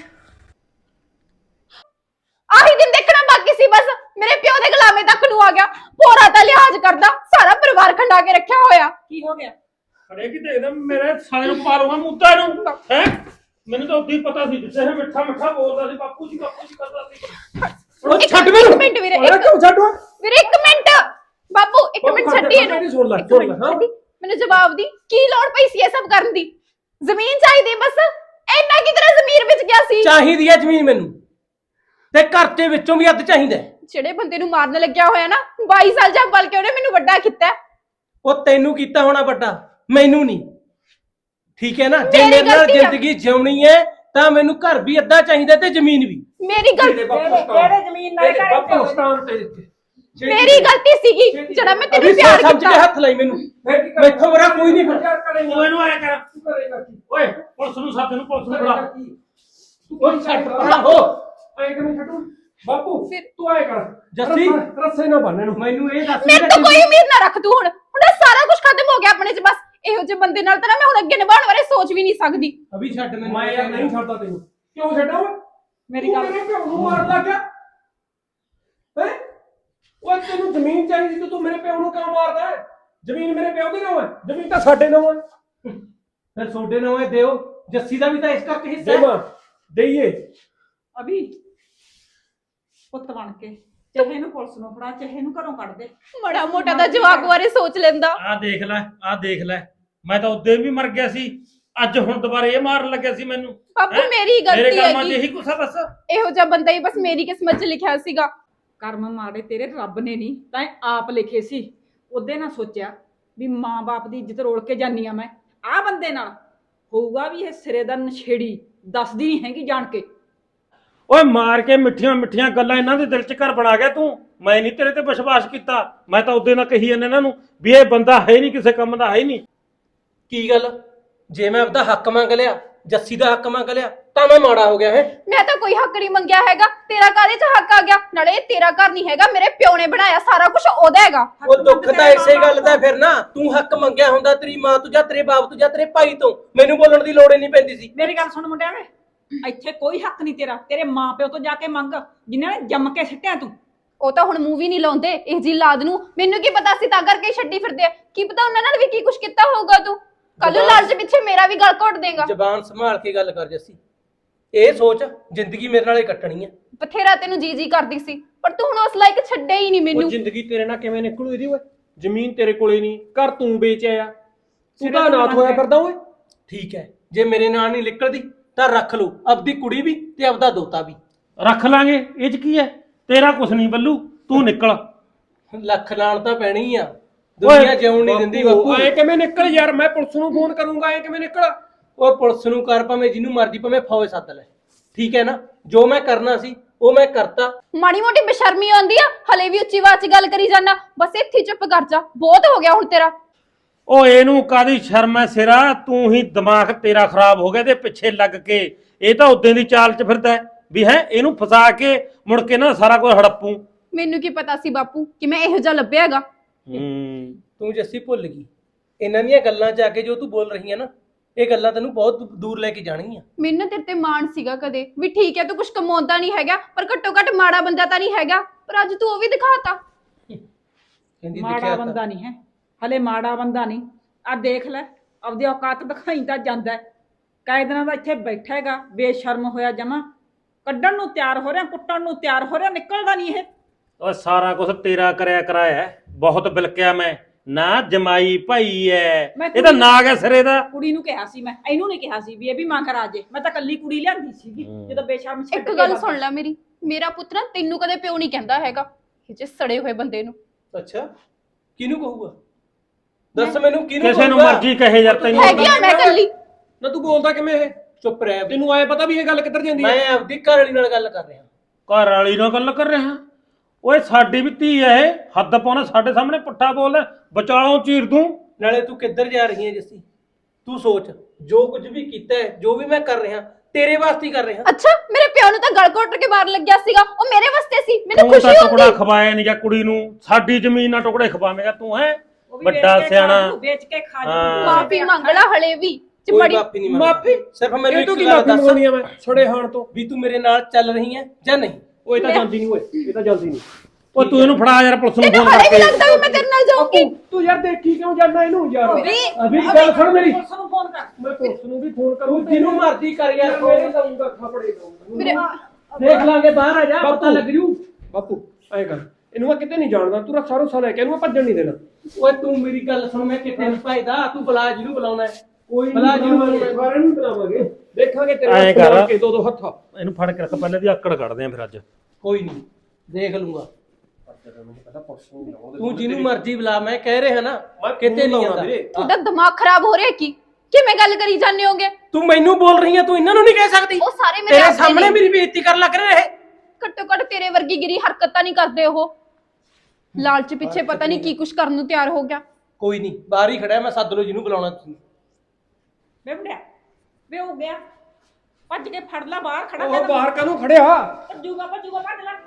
Speaker 2: ਆਹੀ ਦਿਨ ਦੇਖਣਾ ਬਾਕੀ ਸੀ ਬਸ, ਮੇਰੇ ਪਿਓ ਦੇ ਗੁਲਾਮੇ ਤੱਕ ਨੂੰ ਆ ਗਿਆ। ਪੋਰਾ ਤਾਂ ਲਿਹਾਜ਼ ਕਰਦਾ, ਸਾਰਾ ਪਰਿਵਾਰ ਖੰਡਾ ਕੇ ਰੱਖਿਆ ਹੋਇਆ।
Speaker 4: ਕੀ ਹੋ ਗਿਆ?
Speaker 3: ਖੜੇ ਕਿ ਦੇਖਦਾ ਮੇਰੇ ਸਾਲੇ ਨੂੰ ਪਾਰੂਗਾ ਮੁੱਦਾ ਨੂੰ, ਹੈ ਮੈਨੂੰ ਤਾਂ ਉਦੋਂ ਹੀ ਪਤਾ ਸੀ, ਜਿੱਥੇ ਇਹ ਮਿੱਠਾ ਮਿੱਠਾ ਬੋਲਦਾ ਸੀ ਬਾਪੂ ਜੀ ਬਾਪੂ ਜੀ ਕਰਦਾ ਸੀ। ਉਹ
Speaker 2: ਇੱਕ-
Speaker 3: ਛੱਡ
Speaker 2: ਇੱਕ
Speaker 3: ਮੈਨੂੰ।
Speaker 2: ਮਿੰਟ ਵੀਰੇ,
Speaker 3: ਓਏ
Speaker 2: ਇੱਕ-
Speaker 3: ਕਿਉਂ ਛੱਡੋ?
Speaker 2: ਵੀਰੇ ਇੱਕ ਮਿੰਟ, ਬਾਪੂ ਇੱਕ
Speaker 3: ਬਾਪੂ
Speaker 2: ਮਿੰਟ
Speaker 3: ਖੜ ਜਾ,
Speaker 2: ਛੱਡੀ ਇਹਨੂੰ।
Speaker 3: ਮੇਰੀ ਸੁਣ ਲੈ,
Speaker 2: ਇੱਕ
Speaker 3: ਸੁਣ ਲੈ,
Speaker 2: ਮਿੰਟ
Speaker 3: ਹਾਂ।
Speaker 2: ਛੱਡੀ, ਮੈਨੂੰ ਜਵਾਬ ਦੀ। ਕੀ ਲੋੜ ਪਈ ਸੀ ਇਹ ਸਭ ਕਰਨ ਦੀ? ਜ਼ਮੀਨ ਚਾਹੀਦੀ ਬਸ, ਇੰਨਾ ਕੀ ਤੇਰਾ ਜ਼ਮੀਰ ਵਿੱਚ ਗਿਆ ਸੀ?
Speaker 3: ਚਾਹੀਦੀ ਹੈ ਜ਼ਮੀਨ ਮੈਨੂੰ, ਤੇ ਘਰ ਦੇ ਵਿੱਚੋਂ ਵੀ ਅੱਧ ਚਾਹੀਦਾ ਹੈ।
Speaker 2: ਜਿਹੜੇ ਬੰਦੇ ਨੂੰ ਮਾਰਨ ਲੱਗਿਆ ਹੋਇਆ ਨਾ, ਬਾਈ ਸਾਲ ਜੱਬ ਬਲ ਕੇ ਉਹਨੇ ਮੈਨੂੰ ਵੱਡਾ ਕੀਤਾ।
Speaker 3: ਉਹ ਤੈਨੂੰ ਕੀਤਾ ਹੋਣਾ ਵੱਡਾ, ਮੈਨੂੰ ਨਹੀਂ। ਠੀਕ ਹੈ ਨਾ, ਜੇ
Speaker 2: ਮੇਰੀ
Speaker 3: ਮੇਰੇ ਨਾਲ
Speaker 2: ਗਲਤੀ ਆ।
Speaker 3: ਜ਼ਿੰਦਗੀ ਜਿਉਣੀ ਹੈ ਤਾਂ ਮੈਨੂੰ ਘਰ ਵੀ ਅੱਧਾ ਚਾਹੀਦਾ ਤੇ ਜ਼ਮੀਨ ਵੀ।
Speaker 2: ਮੇਰੀ ਗਲਤੀ,
Speaker 4: ਕਿਹੜੇ ਜ਼ਮੀਨ ਨਾਲ
Speaker 3: ਤੇਰੇ ਬਾਪੂ ਸਤਾਨ ਤੇ
Speaker 2: ਮੇਰੀ ਗਲਤੀ ਸੀਗੀ ਜਿਹੜਾ ਮੈਂ ਤੈਨੂੰ
Speaker 3: ਅਭੀ
Speaker 2: ਪਿਆਰ
Speaker 3: ਸੋਚ ਸਮਝ ਕੇ
Speaker 2: ਕੀਤਾ।
Speaker 3: ਹੱਥ ਲਾਈ ਮੈਨੂੰ, ਮੈਥੋਂ ਬੜਾ ਕੋਈ ਨਹੀਂ ਫਿਰ। ਓਏ ਨੂੰ ਆਇਆ ਕਰ, ਓਏ ਪੁਲਿਸ ਨੂੰ ਸੱਦ ਨੂੰ, ਪੁਲਿਸ ਨੂੰ ਬੁਲਾ। ਓਏ ਛੱਡ ਪਰਾਂ ਹੋ, ਐ ਕਿਵੇਂ ਛੱਡੂ ਬਾਪੂ? ਤੂੰ ਆਇਆ ਕਰ ਜੱਸੀ, ਰੱਸੇ ਨਾ ਬੰਨ ਇਹਨੂੰ। ਮੈਨੂੰ ਇਹ ਦੱਸ
Speaker 2: ਮੇਰੇ ਤੋਂ ਕੋਈ ਉਮੀਦ ਨਾ ਰੱਖ ਤੂੰ। ਹੁਣ ਹੁਣ ਇਹ ਸਾਰਾ ਕੁਝ ਖਤਮ ਹੋ ਗਿਆ ਆਪਣੇ ਚ। ਬਸ ਇਹੋ ਜਿਹੇ ਬੰਦੇ ਨਾਲ ਤਾਂ ਨਾ ਮੈਂ ਹੁਣ ਅੱਗੇ ਨਿਭਾਉਣ ਬਾਰੇ ਸੋਚ ਵੀ ਨਹੀਂ ਸਕਦੀ।
Speaker 3: ਅਭੀ ਛੱਡ ਮੈਨੂੰ। ਮੈਂ ਯਾਰ ਨਹੀਂ ਛੱਡਦਾ ਤੈਨੂੰ। ਕਿਉਂ ਛੱਡਾਂ ਓਏ?
Speaker 4: ਮੇਰੀ ਗੱਲ
Speaker 3: ਮੇਰੇ ਪਿਓ ਨੂੰ ਮਾਰਨ ਲੱਗ ਗਿਆ ਹੈ? ਓਏ ਤੈਨੂੰ ਜ਼ਮੀਨ ਚਾਹੀਦੀ ਤੇ ਤੂੰ ਮੇਰੇ ਪਿਓ ਨੂੰ ਕਿਉਂ ਮਾਰਦਾ ਹੈ? ਜ਼ਮੀਨ ਮੇਰੇ ਪਿਓ ਦੀ ਨਾ ਹੈ, ਜ਼ਮੀਨ ਤਾਂ ਸਾਡੇ ਨਾਲ ਹੈ। ਫਿਰ ਤੁਹਾਡੇ ਨਾਲ ਹੈ, ਦਿਓ। ਜੱਸੀ ਦਾ ਵੀ ਤਾਂ ਇਸ ਕਰਕੇ ਹਿੱਸਾ ਹੈ। ਦੇਈਏ
Speaker 4: ਅਭੀ ਪੁੱਤ ਬਣ ਕੇ, ਚਾਹੇ ਇਹਨੂੰ ਪੁਲਿਸ ਨੂੰ ਫੜਾ, ਚਾਹੇ ਇਹਨੂੰ ਘਰੋਂ ਕੱਢ ਦੇ।
Speaker 2: ਮੜਾ ਮੋਟਾ ਦਾ ਜਵਾਕ ਬਾਰੇ ਸੋਚ ਲੈਂਦਾ।
Speaker 8: ਆ ਦੇਖ ਲੈ, ਆ ਦੇਖ ਲੈ, ਮੈਂ ਤਾਂ ਉਦੋਂ ਵੀ ਮਰ ਗਿਆ ਸੀ, ਅੱਜ ਹੁਣ ਦੁਬਾਰਾ ਇਹ ਮਾਰਨ ਲੱਗਿਆ ਸੀ ਮੈਨੂੰ।
Speaker 2: ਬਾਪੂ
Speaker 8: ਹੈਂ?
Speaker 2: ਮੇਰੀ
Speaker 8: ਮੇਰੇ
Speaker 2: ਗਲਤੀ
Speaker 8: ਕਰਮਾਂ 'ਚ
Speaker 2: ਹੈਗੀ।
Speaker 8: ਇਹੀ ਕੁਛ ਆ ਬਸ।
Speaker 2: ਇਹੋ ਜਿਹਾ ਬੰਦਾ ਹੀ ਬਸ ਮੇਰੀ ਕਿਸਮਤ 'ਚ ਲਿਖਿਆ ਸੀਗਾ।
Speaker 4: ਕਰਮ ਮਾੜੇ ਤੇਰੇ ਰੱਬ ਨੇ ਨਹੀਂ ਤਾਂ ਇਹ ਆਪ ਲਿਖੇ ਸੀ। ਉਹਦੇ ਨਾਲ ਸੋਚਿਆ ਵੀ ਮਾਂ-ਬਾਪ ਦੀ ਇੱਜ਼ਤ ਰੋਲ ਕੇ ਜਾਨੀ ਆ ਮੈਂ, ਆਹ ਬੰਦੇ ਨਾਲ ਹੋਊਗਾ ਵੀ ਇਹ ਸਿਰੇ ਦਾ ਨਸ਼ੇੜੀ, ਦੱਸਦੀ ਨਹੀਂ ਹੈਗੀ ਜਾਣ ਕੇ।
Speaker 8: ਓਏ ਮਾਰ ਕੇ ਮਿੱਠੀਆਂ ਮਿੱਠੀਆਂ ਗੱਲਾਂ ਇਹਨਾਂ ਦੇ ਦਿਲ 'ਚ ਘਰ ਬਣਾ ਗਿਆ ਤੂੰ। ਮੈਂ ਨਹੀਂ ਤੇਰੇ ਤੇ ਵਿਸ਼ਵਾਸ ਕੀਤਾ, ਮੈਂ ਤਾਂ ਉਦੋਂ ਨਾਲ ਕਹੀ ਜਾਂਦੇ ਇਹਨਾਂ ਨੂੰ ਵੀ ਇਹ ਬੰਦਾ ਹੈ ਨਹੀਂ, ਕਿਸੇ ਕੰਮ ਦਾ ਹੈ ਨਹੀਂ।
Speaker 3: ਕੀ ਗੱਲ, ਜੇ ਮੈਂ ਆਪਦਾ ਹੱਕ ਮੰਗ ਲਿਆ, ਜੱਸੀ ਦਾ ਹੱਕ ਮੰਗ ਲਿਆ, ਤਾਂ ਮੈਂ ਮਾੜਾ ਹੋ ਗਿਆ ਹੈ?
Speaker 2: ਮੈਂ ਤਾਂ ਕੋਈ ਹੱਕ ਨਹੀਂ ਮੰਗਿਆ ਹੈਗਾ, ਤੇਰਾ ਕਾਹਦੇ 'ਚ ਹੱਕ ਆ ਗਿਆ? ਨਾਲੇ ਇਹ ਤੇਰਾ ਘਰ ਨਹੀਂ ਹੈਗਾ, ਮੇਰੇ ਪਿਓ ਨੇ ਬਣਾਇਆ, ਸਾਰਾ ਕੁਝ ਉਹਦਾ ਹੈਗਾ।
Speaker 3: ਉਹ ਦੁੱਖ ਤਾਂ ਇਸੇ ਗੱਲ ਦਾ ਫਿਰ ਨਾ, ਤੂੰ ਹੱਕ ਮੰਗਿਆ ਹੁੰਦਾ ਤੇਰੀ ਮਾਂ ਤੋਂ ਜਾਂ ਤੇਰੇ ਬਾਪ ਤੋਂ ਜਾਂ ਤੇਰੇ ਭਾਈ ਤੋਂ, ਮੈਨੂੰ ਬੋਲਣ ਦੀ ਲੋੜ ਹੀ ਨਹੀਂ ਪੈਂਦੀ ਸੀ।
Speaker 4: ਮੇਰੀ ਗੱਲ ਸੁਣ ਮੁੰਡਿਆਂ ਵੇ, ਇੱਥੇ ਕੋਈ ਹੱਕ ਨਹੀਂ ਤੇਰਾ, ਤੇਰੇ ਮਾਂ-ਪਿਓ ਤੋਂ ਜਾ ਕੇ ਮੰਗ, ਜਿਨ੍ਹਾਂ ਨੇ ਜੰਮ ਕੇ ਸਿੱਟਿਆ ਤੂੰ।
Speaker 2: ਉਹ ਤਾਂ ਹੁਣ ਮੂਵੀ ਨਹੀਂ ਲਾਉਂਦੇ ਇਹ ਜੀ ਲਾਦ ਨੂੰ, ਮੈਨੂੰ ਕੀ ਪਤਾ ਸੀ ਤਾਂ ਕਰਕੇ ਛੱਡੀ ਫਿਰਦੇ ਆ। ਕੀ ਪਤਾ ਉਹਨਾਂ ਨਾਲ ਵੀ ਕੀ ਕੁਝ ਕੀਤਾ ਹੋਊਗਾ ਤੂੰ। ਕੱਲ ਨੂੰ ਲਾਲਚ ਪਿੱਛੇ ਮੇਰਾ ਵੀ ਗਲ ਘੋਟ ਦੇਗਾ।
Speaker 3: ਜ਼ਬਾਨ ਸੰਭਾਲ ਕੇ ਗੱਲ ਕਰ ਜੱਸੀ, ਇਹ ਸੋਚ ਜ਼ਿੰਦਗੀ ਮੇਰੇ ਨਾਲੇ ਕੱਟਣੀ ਹੈ।
Speaker 2: ਬਥੇਰਾ ਤੈਨੂੰ ਜੀ ਜੀ ਕਰਦੀ ਸੀ, ਪਰ ਤੂੰ ਹੁਣ ਉਸ ਲਾਇਕ ਛੱਡਿਆ ਹੀ ਨਹੀਂ
Speaker 8: ਉਹ
Speaker 2: ਮੈਨੂੰ।
Speaker 8: ਜ਼ਿੰਦਗੀ ਤੇਰੇ ਨਾਲ ਕਿਵੇਂ ਨਿਕਲੂ ਇਹਦੀ? ਓਏ ਜ਼ਮੀਨ ਤੇਰੇ ਕੋਲੇ ਨਹੀਂ, ਘਰ ਤੂੰ ਵੇਚਿਆ ਆ, ਤੂੰ ਤਾਂ ਅਨਾਥ ਹੋਇਆ ਫਿਰਦਾ ਓਏ।
Speaker 3: ਠੀਕ ਹੈ, ਜੇ ਮੇਰੇ ਨਾਲ ਨਹੀਂ ਨਿਕਲਦੀ ਤਾਂ ਰੱਖ ਲਓ ਆਪਦੀ ਕੁੜੀ ਵੀ ਤੇ ਆਪਦਾ ਦੋਤਾ ਵੀ।
Speaker 8: ਰੱਖ ਲਾਂਗੇ, ਇਹ 'ਚ ਕੀ ਹੈ? ਤੇਰਾ ਕੁਛ ਨਹੀਂ ਬੱਲੂ, ਤੂੰ ਨਿਕਲ।
Speaker 3: ਲੱਖ ਨਾਲ ਤਾਂ ਪੈਣੀ ਆ, ਦੁਨੀਆ ਜਿਉਣ ਨਹੀਂ ਦਿੰਦੀ ਬਾਪੂ।
Speaker 8: ਐ ਕਿਵੇਂ ਨਿਕਲ ਯਾਰ, ਮੈਂ ਪੁਲਿਸ ਨੂੰ ਫੋਨ ਕਰੂੰਗਾ, ਐ ਕਿਵੇਂ ਨਿਕਲ?
Speaker 3: ਉਹ ਪੁਲਿਸ ਨੂੰ ਕਰ, ਭਾਵੇਂ ਜਿਹਨੂੰ ਮਰਜ਼ੀ, ਭਾਵੇਂ ਫੌਜ ਸੱਦ ਲੈ, ਠੀਕ ਹੈ ਨਾ? ਜੋ ਮੈਂ ਕਰਨਾ ਸੀ ਉਹ ਮੈਂ ਕਰਤਾ।
Speaker 2: ਮਾੜੀ ਮੋਟੀ ਬੇਸ਼ਰਮੀ ਆਉਂਦੀ ਆ, ਹਲੇ ਵੀ ਉੱਚੀ ਆਵਾਜ਼ 'ਚ ਗੱਲ ਕਰੀ ਜਾਣਾ। ਬਸ ਇੱਥੇ ਹੀ ਚੁੱਪ ਕਰ ਜਾ, ਬਹੁਤ ਹੋ ਗਿਆ ਹੁਣ ਤੇਰਾ।
Speaker 8: ਓ ਇਹਨੂੰ ਕਾਦੀ ਸ਼ਰਮ ਐ ਸਿਰਾ, ਤੂੰ ਹੀ ਦਿਮਾਗ ਤੇਰਾ ਖਰਾਬ ਹੋ ਗਿਆ ਤੇ ਪਿੱਛੇ ਲੱਗ ਕੇ। ਇਹ ਤਾਂ ਉਦੋਂ ਦੀ ਚਾਲ 'ਚ ਫਿਰਦਾ ਹੈ ਵੀ ਹੈ ਇਹਨੂੰ ਫਸਾ ਕੇ ਮੁੜ ਕੇ ਨਾ ਸਾਰਾ ਕੁਝ ਹੜੱਪੂ।
Speaker 2: ਮੈਨੂੰ ਕੀ ਪਤਾ ਸੀ ਬਾਪੂ ਕਿ ਮੈਂ ਇਹੋ ਜਿਹਾ ਲੱਭਿਆ ਹੈਗਾ।
Speaker 8: ਹੂੰ
Speaker 3: ਤੂੰ ਜੱਸੀ ਭੁੱਲ ਗਈ ਇਹਨਾਂ ਦੀਆਂ ਗੱਲਾਂ 'ਚ ਆ ਕੇ ਜੋ ਤੂੰ ਬੋਲ ਰਹੀ ਹੈ ਨਾ, ਇਹ ਗੱਲਾਂ ਤੈਨੂੰ ਬਹੁਤ ਦੂਰ ਲੈ ਕੇ ਜਾਣਗੀਆਂ।
Speaker 2: ਮੈਨੂੰ ਨਾ ਤੇਰੇ ਤੇ ਮਾਣ ਸੀਗਾ ਕਦੇ ਵੀ, ਠੀਕ ਹੈ ਤੂੰ ਕੁਝ ਕਮਾਉਂਦਾ ਨਹੀਂ ਹੈਗਾ, ਪਰ ਘੱਟੋ ਘੱਟ ਮਾੜਾ ਬੰਦਾ ਤਾਂ ਨਹੀਂ ਹੈਗਾ। ਪਰ ਅੱਜ ਤੂੰ ਉਹ ਵੀ ਦਿਖਾਤਾ।
Speaker 3: ਕਹਿੰਦੀ
Speaker 4: ਮਾੜਾ
Speaker 3: ਦਿਖਿਆ
Speaker 4: ਬੰਦਾ
Speaker 3: ਤਾਂ
Speaker 4: ਨਹੀਂ ਹੈ, ਹਲੇ ਮਾੜਾ ਬੰਦਾ ਨਹੀਂ। ਆ ਦੇਖ ਲੈ, ਆਪਦੀ ਔਕਾਤ ਦਿਖਾਈ ਤਾਂ ਜਾਂਦਾ ਹੈ। ਕਈ ਦਿਨਾਂ ਦਾ ਇੱਥੇ ਬੈਠਾ ਹੈਗਾ, ਬੇਸ਼ਰਮ ਹੋਇਆ ਜਮਾ, ਕੱਢਣ ਨੂੰ ਤਿਆਰ ਹੋ ਰਿਹਾ, ਕੁੱਟਣ ਨੂੰ ਤਿਆਰ ਹੋ ਰਿਹਾ, ਨਿਕਲਦਾ ਨਹੀਂ ਇਹ।
Speaker 8: ਓ ਸਾਰਾ ਕੁਝ ਤੇਰਾ ਕਰਿਆ ਕਰਾਇਆ ਹੈ। ਬਹੁਤ ਬਿਲਕਿਆ ਮੈਂ ਨਾ, ਜਮਾਈ ਭਾਈ ਐ,
Speaker 4: ਮੈਂ
Speaker 8: ਇਹ ਤਾਂ ਨਾਗ ਹੈ ਸਿਰੇ ਦਾ।
Speaker 4: ਕੁੜੀ ਨੂੰ ਕਿਹਾ ਸੀ ਮੈਂ, ਇਹਨੂੰ ਨਹੀਂ ਕਿਹਾ ਸੀ ਵੀ ਇਹ ਵੀ ਮਾਂ ਕਰਾ ਜੇ। ਮੈਂ ਤਾਂ ਕੱਲੀ ਕੁੜੀ ਲਿਆਂਦੀ ਸੀਗੀ ਜਦੋਂ ਬੇਸ਼ਰਮ ਛੱਡ
Speaker 2: ਇੱਕ
Speaker 4: ਕੇ
Speaker 2: ਗੱਲ
Speaker 4: ਵਗ
Speaker 2: ਸੁਣ ਲੈ ਮੇਰੀ, ਮੇਰਾ ਪੁੱਤ ਨਾ ਤੈਨੂੰ ਕਦੇ ਪਿਓ ਨਹੀਂ ਕਹਿੰਦਾ ਹੈਗਾ, ਇਹ ਜੇ ਸੜੇ ਹੋਏ ਬੰਦੇ ਨੂੰ।
Speaker 3: ਅੱਛਾ, ਕਿਹਨੂੰ ਕਹੂਗਾ? ਦੱਸ ਮੈਨੂੰ ਕਿਹਨੂੰ
Speaker 8: ਕਿਸੇ ਨੂੰ
Speaker 3: ਕਹੂਗਾ?
Speaker 8: ਮਰਜ਼ੀ ਕਹੇ ਯਾਰ, ਤੈਨੂੰ
Speaker 2: ਹੈਗੀ ਆ ਮੈਂ ਕੱਲੀ।
Speaker 8: ਨਾ ਤੂੰ ਬੋਲਦਾ ਕਿਵੇਂ ਇਹ?
Speaker 3: ਚੁੱਪ ਰਹਿ।
Speaker 8: ਤੈਨੂੰ ਆਏ ਪਤਾ ਵੀ ਇਹ ਗੱਲ ਕਿੱਧਰ ਜਾਂਦੀ ਹੈ?
Speaker 3: ਮੈਂ ਆਪਦੀ ਘਰ ਵਾਲੀ ਨਾਲ ਗੱਲ ਕਰ ਰਿਹਾ।
Speaker 8: ਘਰ ਵਾਲੀ ਨਾਲ ਗੱਲ ਕਰ ਰਿਹਾ? ਓਏ ਸਾਡੀ ਵੀ ਧੀ ਐ ਇਹ, ਹੱਦ ਪਾਉਣਾ ਸਾਡੇ ਸਾਹਮਣੇ ਪੁੱਠਾ ਬੋਲ, ਵਿਚਾਲੋਂ ਚੀਰ ਦੂੰ।
Speaker 3: ਨਾਲੇ ਤੂੰ ਕਿੱਧਰ ਜਾ ਰਹੀ ਹੈ ਜੱਸੀ? ਤੂੰ ਸੋਚ, ਜੋ ਕੁਝ ਵੀ ਕੀਤਾ ਹੈ, ਜੋ ਵੀ ਮੈਂ ਕਰ ਰਿਹਾ, ਤੇਰੇ ਵਾਸਤੇ ਹੀ ਕਰ ਰਿਹਾ।
Speaker 2: ਅੱਛਾ, ਮੇਰੇ ਪਿਓ ਨੂੰ ਤਾਂ ਗਲ ਘੋਟ ਕੇ ਬਾਹਰ ਲੱਗਿਆ ਸੀਗਾ, ਉਹ ਮੇਰੇ ਵਾਸਤੇ ਸੀ, ਮੈਨੂੰ
Speaker 8: ਤੂੰ ਤਾਂ
Speaker 2: ਖੁਸ਼ੀ
Speaker 8: ਟੁਕੜਾ
Speaker 2: ਹੁੰਦੀ।
Speaker 8: ਖਵਾਇਆ ਨਹੀਂ ਜਾਂ ਕੁੜੀ ਨੂੰ, ਸਾਡੀ ਜ਼ਮੀਨ ਨਾਲ ਟੁਕੜੇ ਖਵਾਵੇਂਗਾ ਤੂੰ? ਹੈ
Speaker 4: ਉਹ ਵੀ ਵੇਚ
Speaker 8: ਵੱਡਾ
Speaker 4: ਕੇ
Speaker 8: ਸਿਆਣਾ।
Speaker 4: ਖਾ ਜੂ, ਵੇਚ ਕੇ ਖਾ
Speaker 8: ਹਾਂ।
Speaker 4: ਜੂ।
Speaker 2: ਮਾਫੀ ਮੰਗ ਲਾ ਹਲੇ ਵੀ ਜੇ
Speaker 3: ਕੋਈ
Speaker 2: ਬੜੀ
Speaker 3: ਮਾਫੀ ਨਹੀਂ ਮੰਗਦਾ।
Speaker 8: ਮਾਫੀ?
Speaker 3: ਸਿਰਫ ਮੈਨੂੰ
Speaker 8: ਇਹ ਤੂੰ
Speaker 3: ਇੱਕ
Speaker 8: ਕੀ
Speaker 3: ਗੱਲ
Speaker 8: ਮਾਫੀ
Speaker 3: ਦੱਸ
Speaker 8: ਮੰਗਣੀ ਆ? ਮੈਂ ਛੜੇ ਹਾਣ ਤੋਂ
Speaker 3: ਵੀ ਤੂੰ ਮੇਰੇ ਨਾਲ ਚੱਲ ਰਹੀ ਹੈ ਜਾਂ ਨਹੀਂ?
Speaker 8: ਉਹ ਇਹ ਤਾਂ ਜਾਂਦੀ ਨਹੀਂ, ਓਏ ਇਹ ਤਾਂ ਜਾਂਦੀ ਨਹੀਂ। ਓ ਤੂੰ ਇਹਨੂੰ ਫੜਾ ਯਾਰ, ਪੁਲਿਸ ਨੂੰ
Speaker 2: ਤੈਨੂੰ
Speaker 8: ਫੋਨ
Speaker 2: ਹਲੇ ਵੀ
Speaker 8: ਕਰਕੇ।
Speaker 2: ਲੱਗਦਾ ਵੀ ਮੈਂ ਤੇਰੇ ਨਾਲ ਜਾਊਂਗੀ?
Speaker 8: ਤੂੰ ਯਾਰ ਦੇਖੀ ਕਿਉਂ ਜਾਂਦਾ ਇਹਨੂੰ ਯਾਰ?
Speaker 2: ਵੀ
Speaker 8: ਅਭੀ ਗੱਲ ਸੁਣ ਮੇਰੀ,
Speaker 4: ਪੁਲਿਸ ਨੂੰ ਫੋਨ ਕਰ।
Speaker 8: ਮੈਂ ਪੁਲਿਸ ਨੂੰ ਵੀ ਫੋਨ ਕਰੂੰ,
Speaker 3: ਤੂੰ ਜਿਹਨੂੰ ਮਰਜ਼ੀ ਕਰ ਯਾਰ,
Speaker 8: ਮੇਰੇ ਦਊਂਗਾ, ਥਾਪੜੇ ਦਊਂਗਾ।
Speaker 2: ਮੇਰੇ
Speaker 3: ਦੇਖ ਲਾਂਗੇ, ਬਾਹਰ ਆ ਜਾ, ਪਤਾ ਲੱਗ ਜੂ।
Speaker 8: ਬਾਪੂ ਐ ਕਰ, ਇਹਨੂੰ ਮੈਂ ਕਿਤੇ ਨਹੀਂ ਜਾਣਦਾ, ਤੂੰ ਰੱਖਾ ਰੋਸਾ ਲੈ ਕੇ ਇਹਨੂੰ ਮੈਂ ਭੱਜਣ ਨਹੀਂ ਦੇਣਾ।
Speaker 3: ਓਏ ਤੂੰ ਮੇਰੀ ਗੱਲ ਸੁਣ, ਮੈਂ ਕਿਤੇ ਨਹੀਂ ਭਾਈਦਾ, ਤੂੰ ਬੁਲਾ ਜਿਹਨੂੰ ਬੁਲਾਉਣਾ ਹੈ।
Speaker 8: ਕੋਈ
Speaker 3: ਬੁਲਾ ਜਿਹਨੂੰ ਬੁਲਾਉਣਾ।
Speaker 8: ਸਾਰਿਆਂ ਨੂੰ ਬੁਲਾਵਾਂਗੇ, ਦੇਖਾਂਗੇ ਤੇਰੇ ਨਾਲ ਕੇ ਦੋ ਦੋ ਹੱਥਾਂ। ਇਹਨੂੰ ਫੜ ਕੇ ਰੱਖ, ਪਹਿਲੇ ਦੀ ਆਕੜ ਕੱਢਦੇ ਆ ਫਿਰ ਅੱਜ।
Speaker 3: ਕੋਈ ਨਹੀਂ, ਦੇਖ ਲੂੰਗਾ। ਤੂੰ ਜਿਹਨੂੰ ਮਰਜ਼ੀ ਬੁਲਾ, ਮੈਂ ਕਹਿ ਰਿਹਾ ਨਾ, ਕਿਤੇ ਨਹੀਂ ਜਾਂਦਾ।
Speaker 2: ਤੁਹਾਡਾ ਦਿਮਾਗ ਖਰਾਬ ਹੋ ਰਿਹਾ ਕੀ? ਕਿਵੇਂ ਗੱਲ ਕਰੀ ਜਾਂਦੇ ਹੋਗੇ?
Speaker 3: ਤੂੰ ਮੈਨੂੰ ਬੋਲ ਰਹੀ ਹੈ, ਤੂੰ ਇਹਨਾਂ ਨੂੰ ਨਹੀਂ ਕਹਿ ਸਕਦੀ?
Speaker 2: ਉਹ ਸਾਰੇ ਮੇਰੇ
Speaker 3: ਤੇਰੇ
Speaker 2: ਆਪਣੇ
Speaker 3: ਸਾਹਮਣੇ
Speaker 2: ਨੇ।
Speaker 3: ਮੇਰੀ ਬੇਇੱਜ਼ਤੀ ਕਰਨ ਲੱਗ ਰਹੇ ਇਹ।
Speaker 2: ਘੱਟੋ ਘੱਟ ਤੇਰੇ ਵਰਗੀ ਗਿਰੀ ਹਰਕਤ ਤਾਂ ਨਹੀਂ ਕਰਦੇ ਉਹ। ਲਾਲਚ ਪਿੱਛੇ ਪਤਾ ਨਹੀਂ ਕੀ ਕੁਛ ਕਰਨ ਨੂੰ ਤਿਆਰ ਹੋ ਗਿਆ।
Speaker 3: ਕੋਈ ਨਹੀਂ, ਬਾਹਰ ਹੀ ਖੜਾ, ਮੈਂ ਸੱਦ ਲਓ ਜਿਹਨੂੰ ਬੁਲਾਉਣਾ ਤੁਸੀਂ।
Speaker 4: ਵੇ ਮੁੰਡਿਆ, ਵੇ ਹੋ ਗਿਆ, ਭੱਜ ਕੇ ਫੜ ਲੈ, ਬਾਹਰ ਖੜਾ
Speaker 8: ਉਹ ਬਾਹਰ ਕਾਹਨੂੰ ਖੜਿਆ?
Speaker 4: ਭੱਜੂਗਾ ਭੱਜੂਗਾ, ਭੱਜ ਲੈ।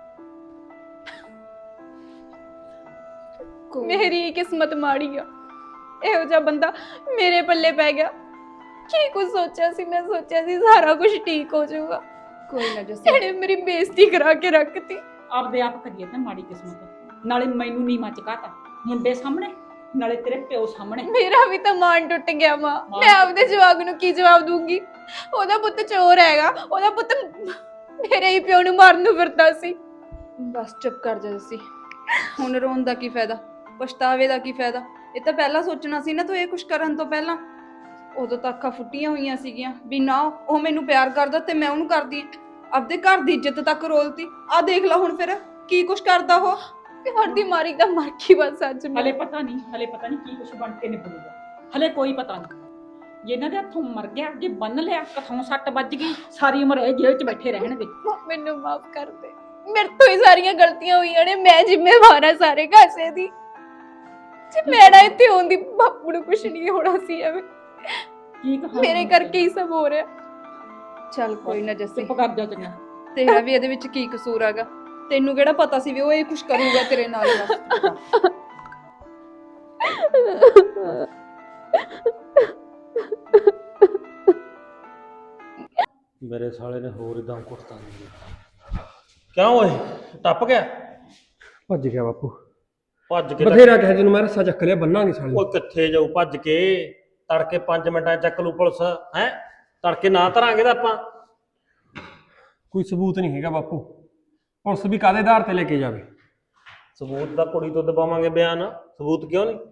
Speaker 2: ਮੇਰੀ ਕਿਸਮਤ ਮਾੜੀ ਆ, ਇਹੋ ਜਿਹਾ ਬੰਦਾ ਮੇਰੇ ਪੱਲੇ ਪੈ ਗਿਆ। ਕੀ ਕੁਝ ਸੋਚਿਆ ਸੀ ਮੈਂ, ਸੋਚਿਆ ਸੀ ਸਾਰਾ ਕੁਝ ਠੀਕ ਹੋ ਜਾਊਗਾ। ਕੋਈ ਨਾ ਜੱਸੀ, ਇਹਨੇ ਮੇਰੀ ਬੇਇੱਜ਼ਤੀ ਕਰਾ ਕੇ ਰੱਖਤੀ।
Speaker 4: ਆਪਦੇ ਆਪ ਕਰੀਏ ਤੇ ਮਾੜੀ ਕਿਸਮਤ, ਨਾਲੇ ਮੈਨੂੰ ਨਹੀਂ ਮਚਕਾਤਾ ਮੁੰਡੇ ਸਾਹਮਣੇ, ਨਾਲੇ ਤੇਰੇ ਪਿਓ ਸਾਹਮਣੇ।
Speaker 2: ਮੇਰਾ ਵੀ ਤਾਂ ਮਾਨ ਟੁੱਟ ਗਿਆ ਮਾਂ। ਮੈਂ ਆਪਦੇ ਜਵਾਬ ਨੂੰ ਕੀ ਜਵਾਬ ਦੂੰਗੀ? ਉਹਦਾ ਪੁੱਤ ਚੋਰ ਹੈਗਾ, ਉਹਦਾ ਪੁੱਤ ਮੇਰੇ ਹੀ ਪਿਓ ਨੂੰ ਮਾਰਨ ਨੂੰ ਫਿਰਦਾ ਸੀ।
Speaker 1: ਬਸ ਚੁੱਪ ਕਰ ਜਾ ਜੱਸੀ, ਹੁਣ ਰੋਣ ਦਾ ਕੀ ਫਾਇਦਾ, ਪਛਤਾਵੇ ਦਾ ਕੀ ਫਾਇਦਾ? ਇਹ ਤਾਂ ਪਹਿਲਾਂ ਸੋਚਣਾ ਸੀ ਨਾ ਤੂੰ, ਇਹ ਕੁਛ ਕਰਨ ਤੋਂ ਪਹਿਲਾਂ। ਉਦੋਂ ਤਾਂ ਅੱਖਾਂ ਫੁੱਟੀਆਂ ਹੋਈਆਂ ਸੀਗੀਆਂ ਵੀ ਨਾ ਉਹ ਮੈਨੂੰ ਪਿਆਰ ਕਰਦਾ ਤੇ ਮੈਂ ਉਹਨੂੰ ਕਰਦੀ। ਆਪਦੇ ਘਰ ਦੀ ਇੱਜ਼ਤ ਤੱਕ ਰੋਲਤੀ। ਆ ਦੇਖ ਲੈ ਹੁਣ ਫਿਰ ਕੀ ਕੁਛ ਕਰਦਾ ਉਹ।
Speaker 2: ਪਿਆਰ ਦੀ ਮਾਰੀ ਤਾਂ ਮਰ ਗਈ ਬਸ ਅੱਜ ਮੈਂ।
Speaker 4: ਹਲੇ ਪਤਾ ਨਹੀਂ, ਹਲੇ ਪਤਾ ਨਹੀਂ ਕੀ ਕੁਛ ਬਣ ਕੇ ਨਿਕਲੂਗਾ, ਹਲੇ ਕੋਈ ਪਤਾ ਨਹੀਂ। ਜੇ ਇਹਨਾਂ ਦੇ ਹੱਥੋਂ ਮਰ ਗਿਆ, ਜੇ ਬੰਨ ਲਿਆ, ਕਥੋਂ ਸੱਟ ਵੱਜ ਗਈ, ਸਾਰੀ ਉਮਰ ਇਹ ਜੇਲ੍ਹ 'ਚ ਬੈਠੇ ਰਹਿਣਗੇ।
Speaker 2: ਮੈਨੂੰ ਮਾਫ ਕਰ ਦੇ, ਮੇਰੇ ਤੋਂ ਹੀ ਸਾਰੀਆਂ ਗਲਤੀਆਂ ਹੋਈਆਂ ਨੇ, ਮੈਂ ਜ਼ਿੰਮੇਵਾਰ ਹਾਂ ਸਾਰੇ ਕਾਸੇ ਦੀ। ਜੇ ਮੈਂ ਨਾ ਇੱਥੇ ਹੁੰਦੀ, ਬਾਪੂ ਨੂੰ ਕੁਛ ਨਹੀਂ ਹੋਣਾ ਸੀ ਐਵੇਂ।
Speaker 4: ਕੀ ਕਹਾਂ,
Speaker 2: ਮੇਰੇ ਕਰਕੇ ਹੀ ਸਭ ਹੋ ਰਿਹਾ।
Speaker 1: ਚੱਲ ਕੋਈ ਨਾ ਜੱਸੀ,
Speaker 4: ਚੁੱਪ ਕਰ ਜਾ ਚੰਗਾ।
Speaker 1: ਤੇਰਾ ਵੀ ਇਹਦੇ ਵਿੱਚ ਕੀ ਕਸੂਰ ਹੈਗਾ? ਤੈਨੂੰ ਕਿਹੜਾ ਪਤਾ ਸੀ ਵੀ ਉਹ ਇਹ ਕੁਛ ਕਰੂਗਾ ਤੇਰੇ ਨਾਲ?
Speaker 8: ਮੇਰੇ ਸਾਲੇ ਨੇ ਹੋਰ ਇਦਾਂ ਕੁੱਟਤਾ ਨਹੀਂ। ਕਿਉਂ ਓਏ, ਟੱਪ ਗਿਆ?
Speaker 9: ਭੱਜ ਗਿਆ ਬਾਪੂ,
Speaker 8: ਭੱਜ ਕੇ
Speaker 9: ਬਥੇਰਾ ਕਿਹਾ ਜਿਹਨੂੰ ਮੈਂ ਰੱਸਾ ਚੱਕ ਲਿਆ, ਬੰਨਾਂਗੇ ਸਾਲੇ।
Speaker 8: ਓਏ ਕਿੱਥੇ ਜਾਊ ਭੱਜ ਕੇ? ਤੜਕੇ ਪੰਜ ਮਿੰਟਾਂ 'ਚ ਚੱਕ ਲੂ ਪੁਲਿਸ। ਹੈ ਤੜਕੇ ਨਾ ਧਰਾਂਗੇ ਤਾਂ ਆਪਾਂ।
Speaker 9: ਕੋਈ ਸਬੂਤ ਨਹੀਂ ਹੈਗਾ ਬਾਪੂ, ਪੁਲਿਸ ਵੀ ਕਾਹਦੇ ਆਧਾਰ ਤੇ ਲੈ ਕੇ ਜਾਵੇ?
Speaker 8: ਸਬੂਤ ਦਾ ਕੁੜੀ ਤੋਂ ਦਬਾਵਾਂਗੇ ਬਿਆਨ, ਸਬੂਤ ਕਿਉਂ ਨਹੀਂ?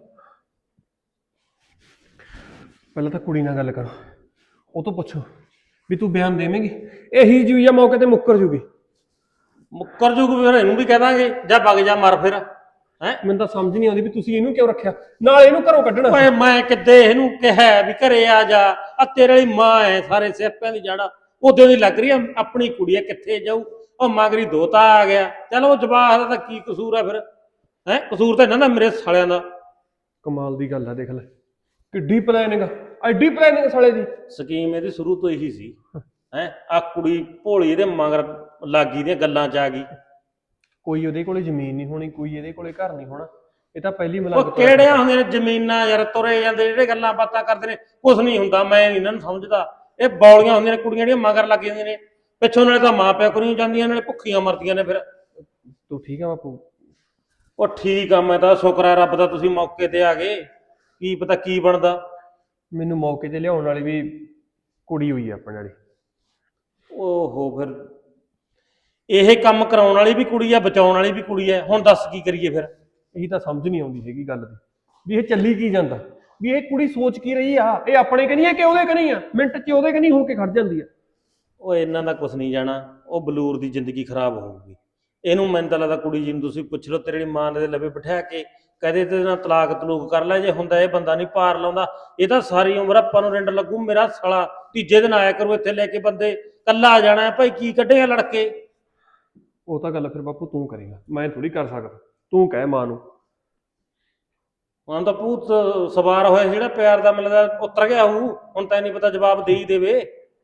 Speaker 9: ਪਹਿਲਾਂ ਤਾਂ ਕੁੜੀ ਨਾਲ ਗੱਲ ਕਰੋ, ਉਹ ਤੋਂ ਪੁੱਛੋ ਵੀ ਤੂੰ ਬਿਆਨ ਦੇਵੇਂਗੀ? ਇਹੀ ਜੂ ਜਾਂ ਮੌਕੇ ਤੇ ਮੁੱਕਰ ਜੂਗੀ?
Speaker 8: ਮੁੱਕਰ ਜੂਗੀ ਫਿਰ ਇਹਨੂੰ ਵੀ ਕਹਿ ਦਾਂਗੇ, ਜਾ ਵਗ ਜਾ ਮਰ ਫਿਰ। ਹੈਂ?
Speaker 9: ਮੈਨੂੰ ਤਾਂ ਸਮਝ ਨਹੀਂ ਆਉਂਦੀ ਵੀ ਤੁਸੀਂ ਇਹਨੂੰ ਕਿਉਂ ਰੱਖਿਆ, ਨਾਲ ਇਹਨੂੰ ਘਰੋਂ ਕੱਢਣਾ
Speaker 8: ਓਏ ਮੈਂ ਕਿੱਦੇ ਇਹਨੂੰ ਕਿਹਾ ਵੀ ਘਰੇ ਆ ਜਾ, ਆ ਤੇਰੇ ਵਾਲੀ ਮਾਂ ਐ ਸਾਰੇ ਸਿਆਪਿਆਂ ਦੀ ਜੜਾ, ਉਦੋਂ ਦੀ ਲੱਗ ਰਹੀ ਆ ਆਪਣੀ ਕੁੜੀ ਐ, ਕਿੱਥੇ ਜਾਊ। ਉਹ ਮਗਰੀ ਦੋਤਾ ਆ ਗਿਆ, ਚਲ ਉਹ ਜਵਾਕ ਦਾ ਤਾਂ ਕੀ ਕਸੂਰ ਆ ਫਿਰ, ਹੈ ਕਸੂਰ ਤਾਂ ਇਹਨਾਂ ਦਾ ਮੇਰੇ ਸਾਲਿਆਂ ਦਾ।
Speaker 9: ਕਮਾਲ ਦੀ ਗੱਲ ਆ, ਦੇਖ ਲੈ ਕਿੱਡੀ ਪਲੈਨਿੰਗ, ਐਡੀ ਪਲੈਨਿੰਗ ਸਾਲੇ ਦੀ।
Speaker 8: ਸਕੀਮ ਇਹਦੀ ਸ਼ੁਰੂ ਤੋਂ ਇਹੀ ਸੀ, ਹੈ ਆ ਕੁੜੀ ਭੋਲੀ ਇਹਦੇ ਮਗਰ ਲਾਗੀ ਦੀਆਂ ਗੱਲਾਂ ਚ ਆ ਗਈ।
Speaker 9: ਕੋਈ ਉਹਦੇ ਕੋਲੇ ਜ਼ਮੀਨ ਨਹੀਂ ਹੋਣੀ, ਕੋਈ ਇਹਦੇ ਕੋਲੇ ਘਰ ਨਹੀਂ ਹੋਣਾ, ਇਹ ਤਾਂ ਪਹਿਲੀ ਮਲੰਗ
Speaker 8: ਉਹ ਕਿਹੜਿਆਂ ਹੁੰਦੀਆਂ ਨੇ ਜ਼ਮੀਨਾਂ ਯਾਰ, ਤੁਰੇ ਜਾਂਦੇ ਜਿਹੜੇ ਗੱਲਾਂ ਬਾਤਾਂ ਕਰਦੇ ਨੇ, ਕੁਛ ਨਹੀਂ ਹੁੰਦਾ। ਮੈਂ ਨੀ ਇਹਨਾਂ ਨੂੰ ਸਮਝਦਾ, ਇਹ ਬੌਲੀਆਂ ਹੁੰਦੀਆਂ ਨੇ ਕੁੜੀਆਂ ਜਿਹੜੀਆਂ ਮਗਰ ਲੱਗ ਜਾਂਦੀਆਂ ਨੇ, ਪਿੱਛੋਂ ਨਾਲੇ ਤਾਂ ਮਾਂ ਪਿਓ ਕਰੀਆਂ ਜਾਂਦੀਆਂ, ਨਾਲੇ ਭੁੱਖੀਆਂ ਮਰਦੀਆਂ ਨੇ ਫਿਰ।
Speaker 9: ਤੂੰ ਠੀਕ ਆ ਬਾਪੂ?
Speaker 8: ਉਹ ਠੀਕ ਆ, ਮੈਂ ਤਾਂ ਸ਼ੁਕਰ ਆ ਰੱਬ ਦਾ ਤੁਸੀਂ ਮੌਕੇ ਤੇ ਆ ਗਏ, ਕੀ ਪਤਾ ਕੀ ਬਣਦਾ।
Speaker 9: ਮੈਨੂੰ ਮੌਕੇ ਤੇ ਲਿਆਉਣ ਵਾਲੀ ਵੀ ਕੁੜੀ ਹੋਈ ਆ ਆਪਣੇ ਵਾਲੀ।
Speaker 8: ਓਹੋ, ਫਿਰ ਇਹ ਕੰਮ ਕਰਾਉਣ ਵਾਲੀ ਵੀ ਕੁੜੀ ਆ, ਬਚਾਉਣ ਵਾਲੀ ਵੀ ਕੁੜੀ ਆ, ਹੁਣ ਦੱਸ ਕੀ ਕਰੀਏ ਫਿਰ।
Speaker 9: ਇਹੀ ਤਾਂ ਸਮਝ ਨਹੀਂ ਆਉਂਦੀ ਹੈਗੀ ਗੱਲ ਦੀ, ਵੀ ਇਹ ਚੱਲੀ ਕੀ ਜਾਂਦਾ, ਵੀ ਇਹ ਕੁੜੀ ਸੋਚ ਕੀ ਰਹੀ ਆ, ਇਹ ਆਪਣੇ ਕਨੀ ਆ ਕਿ ਉਹਦੇ ਕਨੀ ਆ, ਮਿੰਟ ਚ ਉਹਦੇ ਕਨੀ ਹੋ ਕੇ ਖੜ ਜਾਂਦੀ ਆ।
Speaker 8: ਉਹ ਇਹਨਾਂ ਦਾ ਕੁਛ ਨਹੀਂ ਜਾਣਾ, ਉਹ ਬਲੂਰ ਦੀ ਜ਼ਿੰਦਗੀ ਖਰਾਬ ਹੋਊਗੀ। ਇਹਨੂੰ ਮੈਨੂੰ ਤਾਂ ਲੱਗਦਾ ਕੁੜੀ ਜੀ ਨੂੰ ਤੁਸੀਂ ਪੁੱਛ ਲਓ, ਤੇਰੀ ਮਾਂ ਦੇ ਲਵੇ ਬਿਠਾ ਕੇ ਕਹਦੇ ਤੇ ਨਾਲ ਤਲਾਕ ਤਲੂਕ ਕਰ ਲੈ, ਜੇ ਹੁੰਦਾ ਇਹ ਬੰਦਾ ਨਹੀਂ ਪਾਰ ਲਾਉਂਦਾ, ਇਹ ਤਾਂ ਸਾਰੀ ਉਮਰ ਆਪਾਂ ਨੂੰ ਰਿੰਡ ਲੱਗੂ। ਮੇਰਾ ਸਾਲਾ ਤੀਜੇ ਦਿਨ ਆਇਆ ਕਰੂ ਇੱਥੇ ਲੈ ਕੇ ਬੰਦੇ, ਕੱਲਾ ਆ ਜਾਣਾ ਭਾਈ, ਕੀ ਕੱਢੇਗਾ ਲੜਕੇ।
Speaker 9: ਉਹ ਤਾਂ ਗੱਲ ਫਿਰ ਬਾਪੂ ਤੂੰ ਕਰੇਗਾ, ਮੈਂ ਥੋੜੀ ਕਰ ਸਕਦਾ, ਤੂੰ ਕਹਿ ਮਾਂ ਨੂੰ।
Speaker 8: ਹੁਣ ਤਾਂ ਭੂਤ ਸਵਾਰ ਹੋਇਆ ਜਿਹੜਾ ਪਿਆਰ ਦਾ ਮਿਲਦਾ ਉਤਰ ਗਿਆ ਹੋਊ, ਹੁਣ ਤਾਂ ਨਹੀਂ ਪਤਾ ਜਵਾਬ ਦੇ ਹੀ ਦੇਵੇ।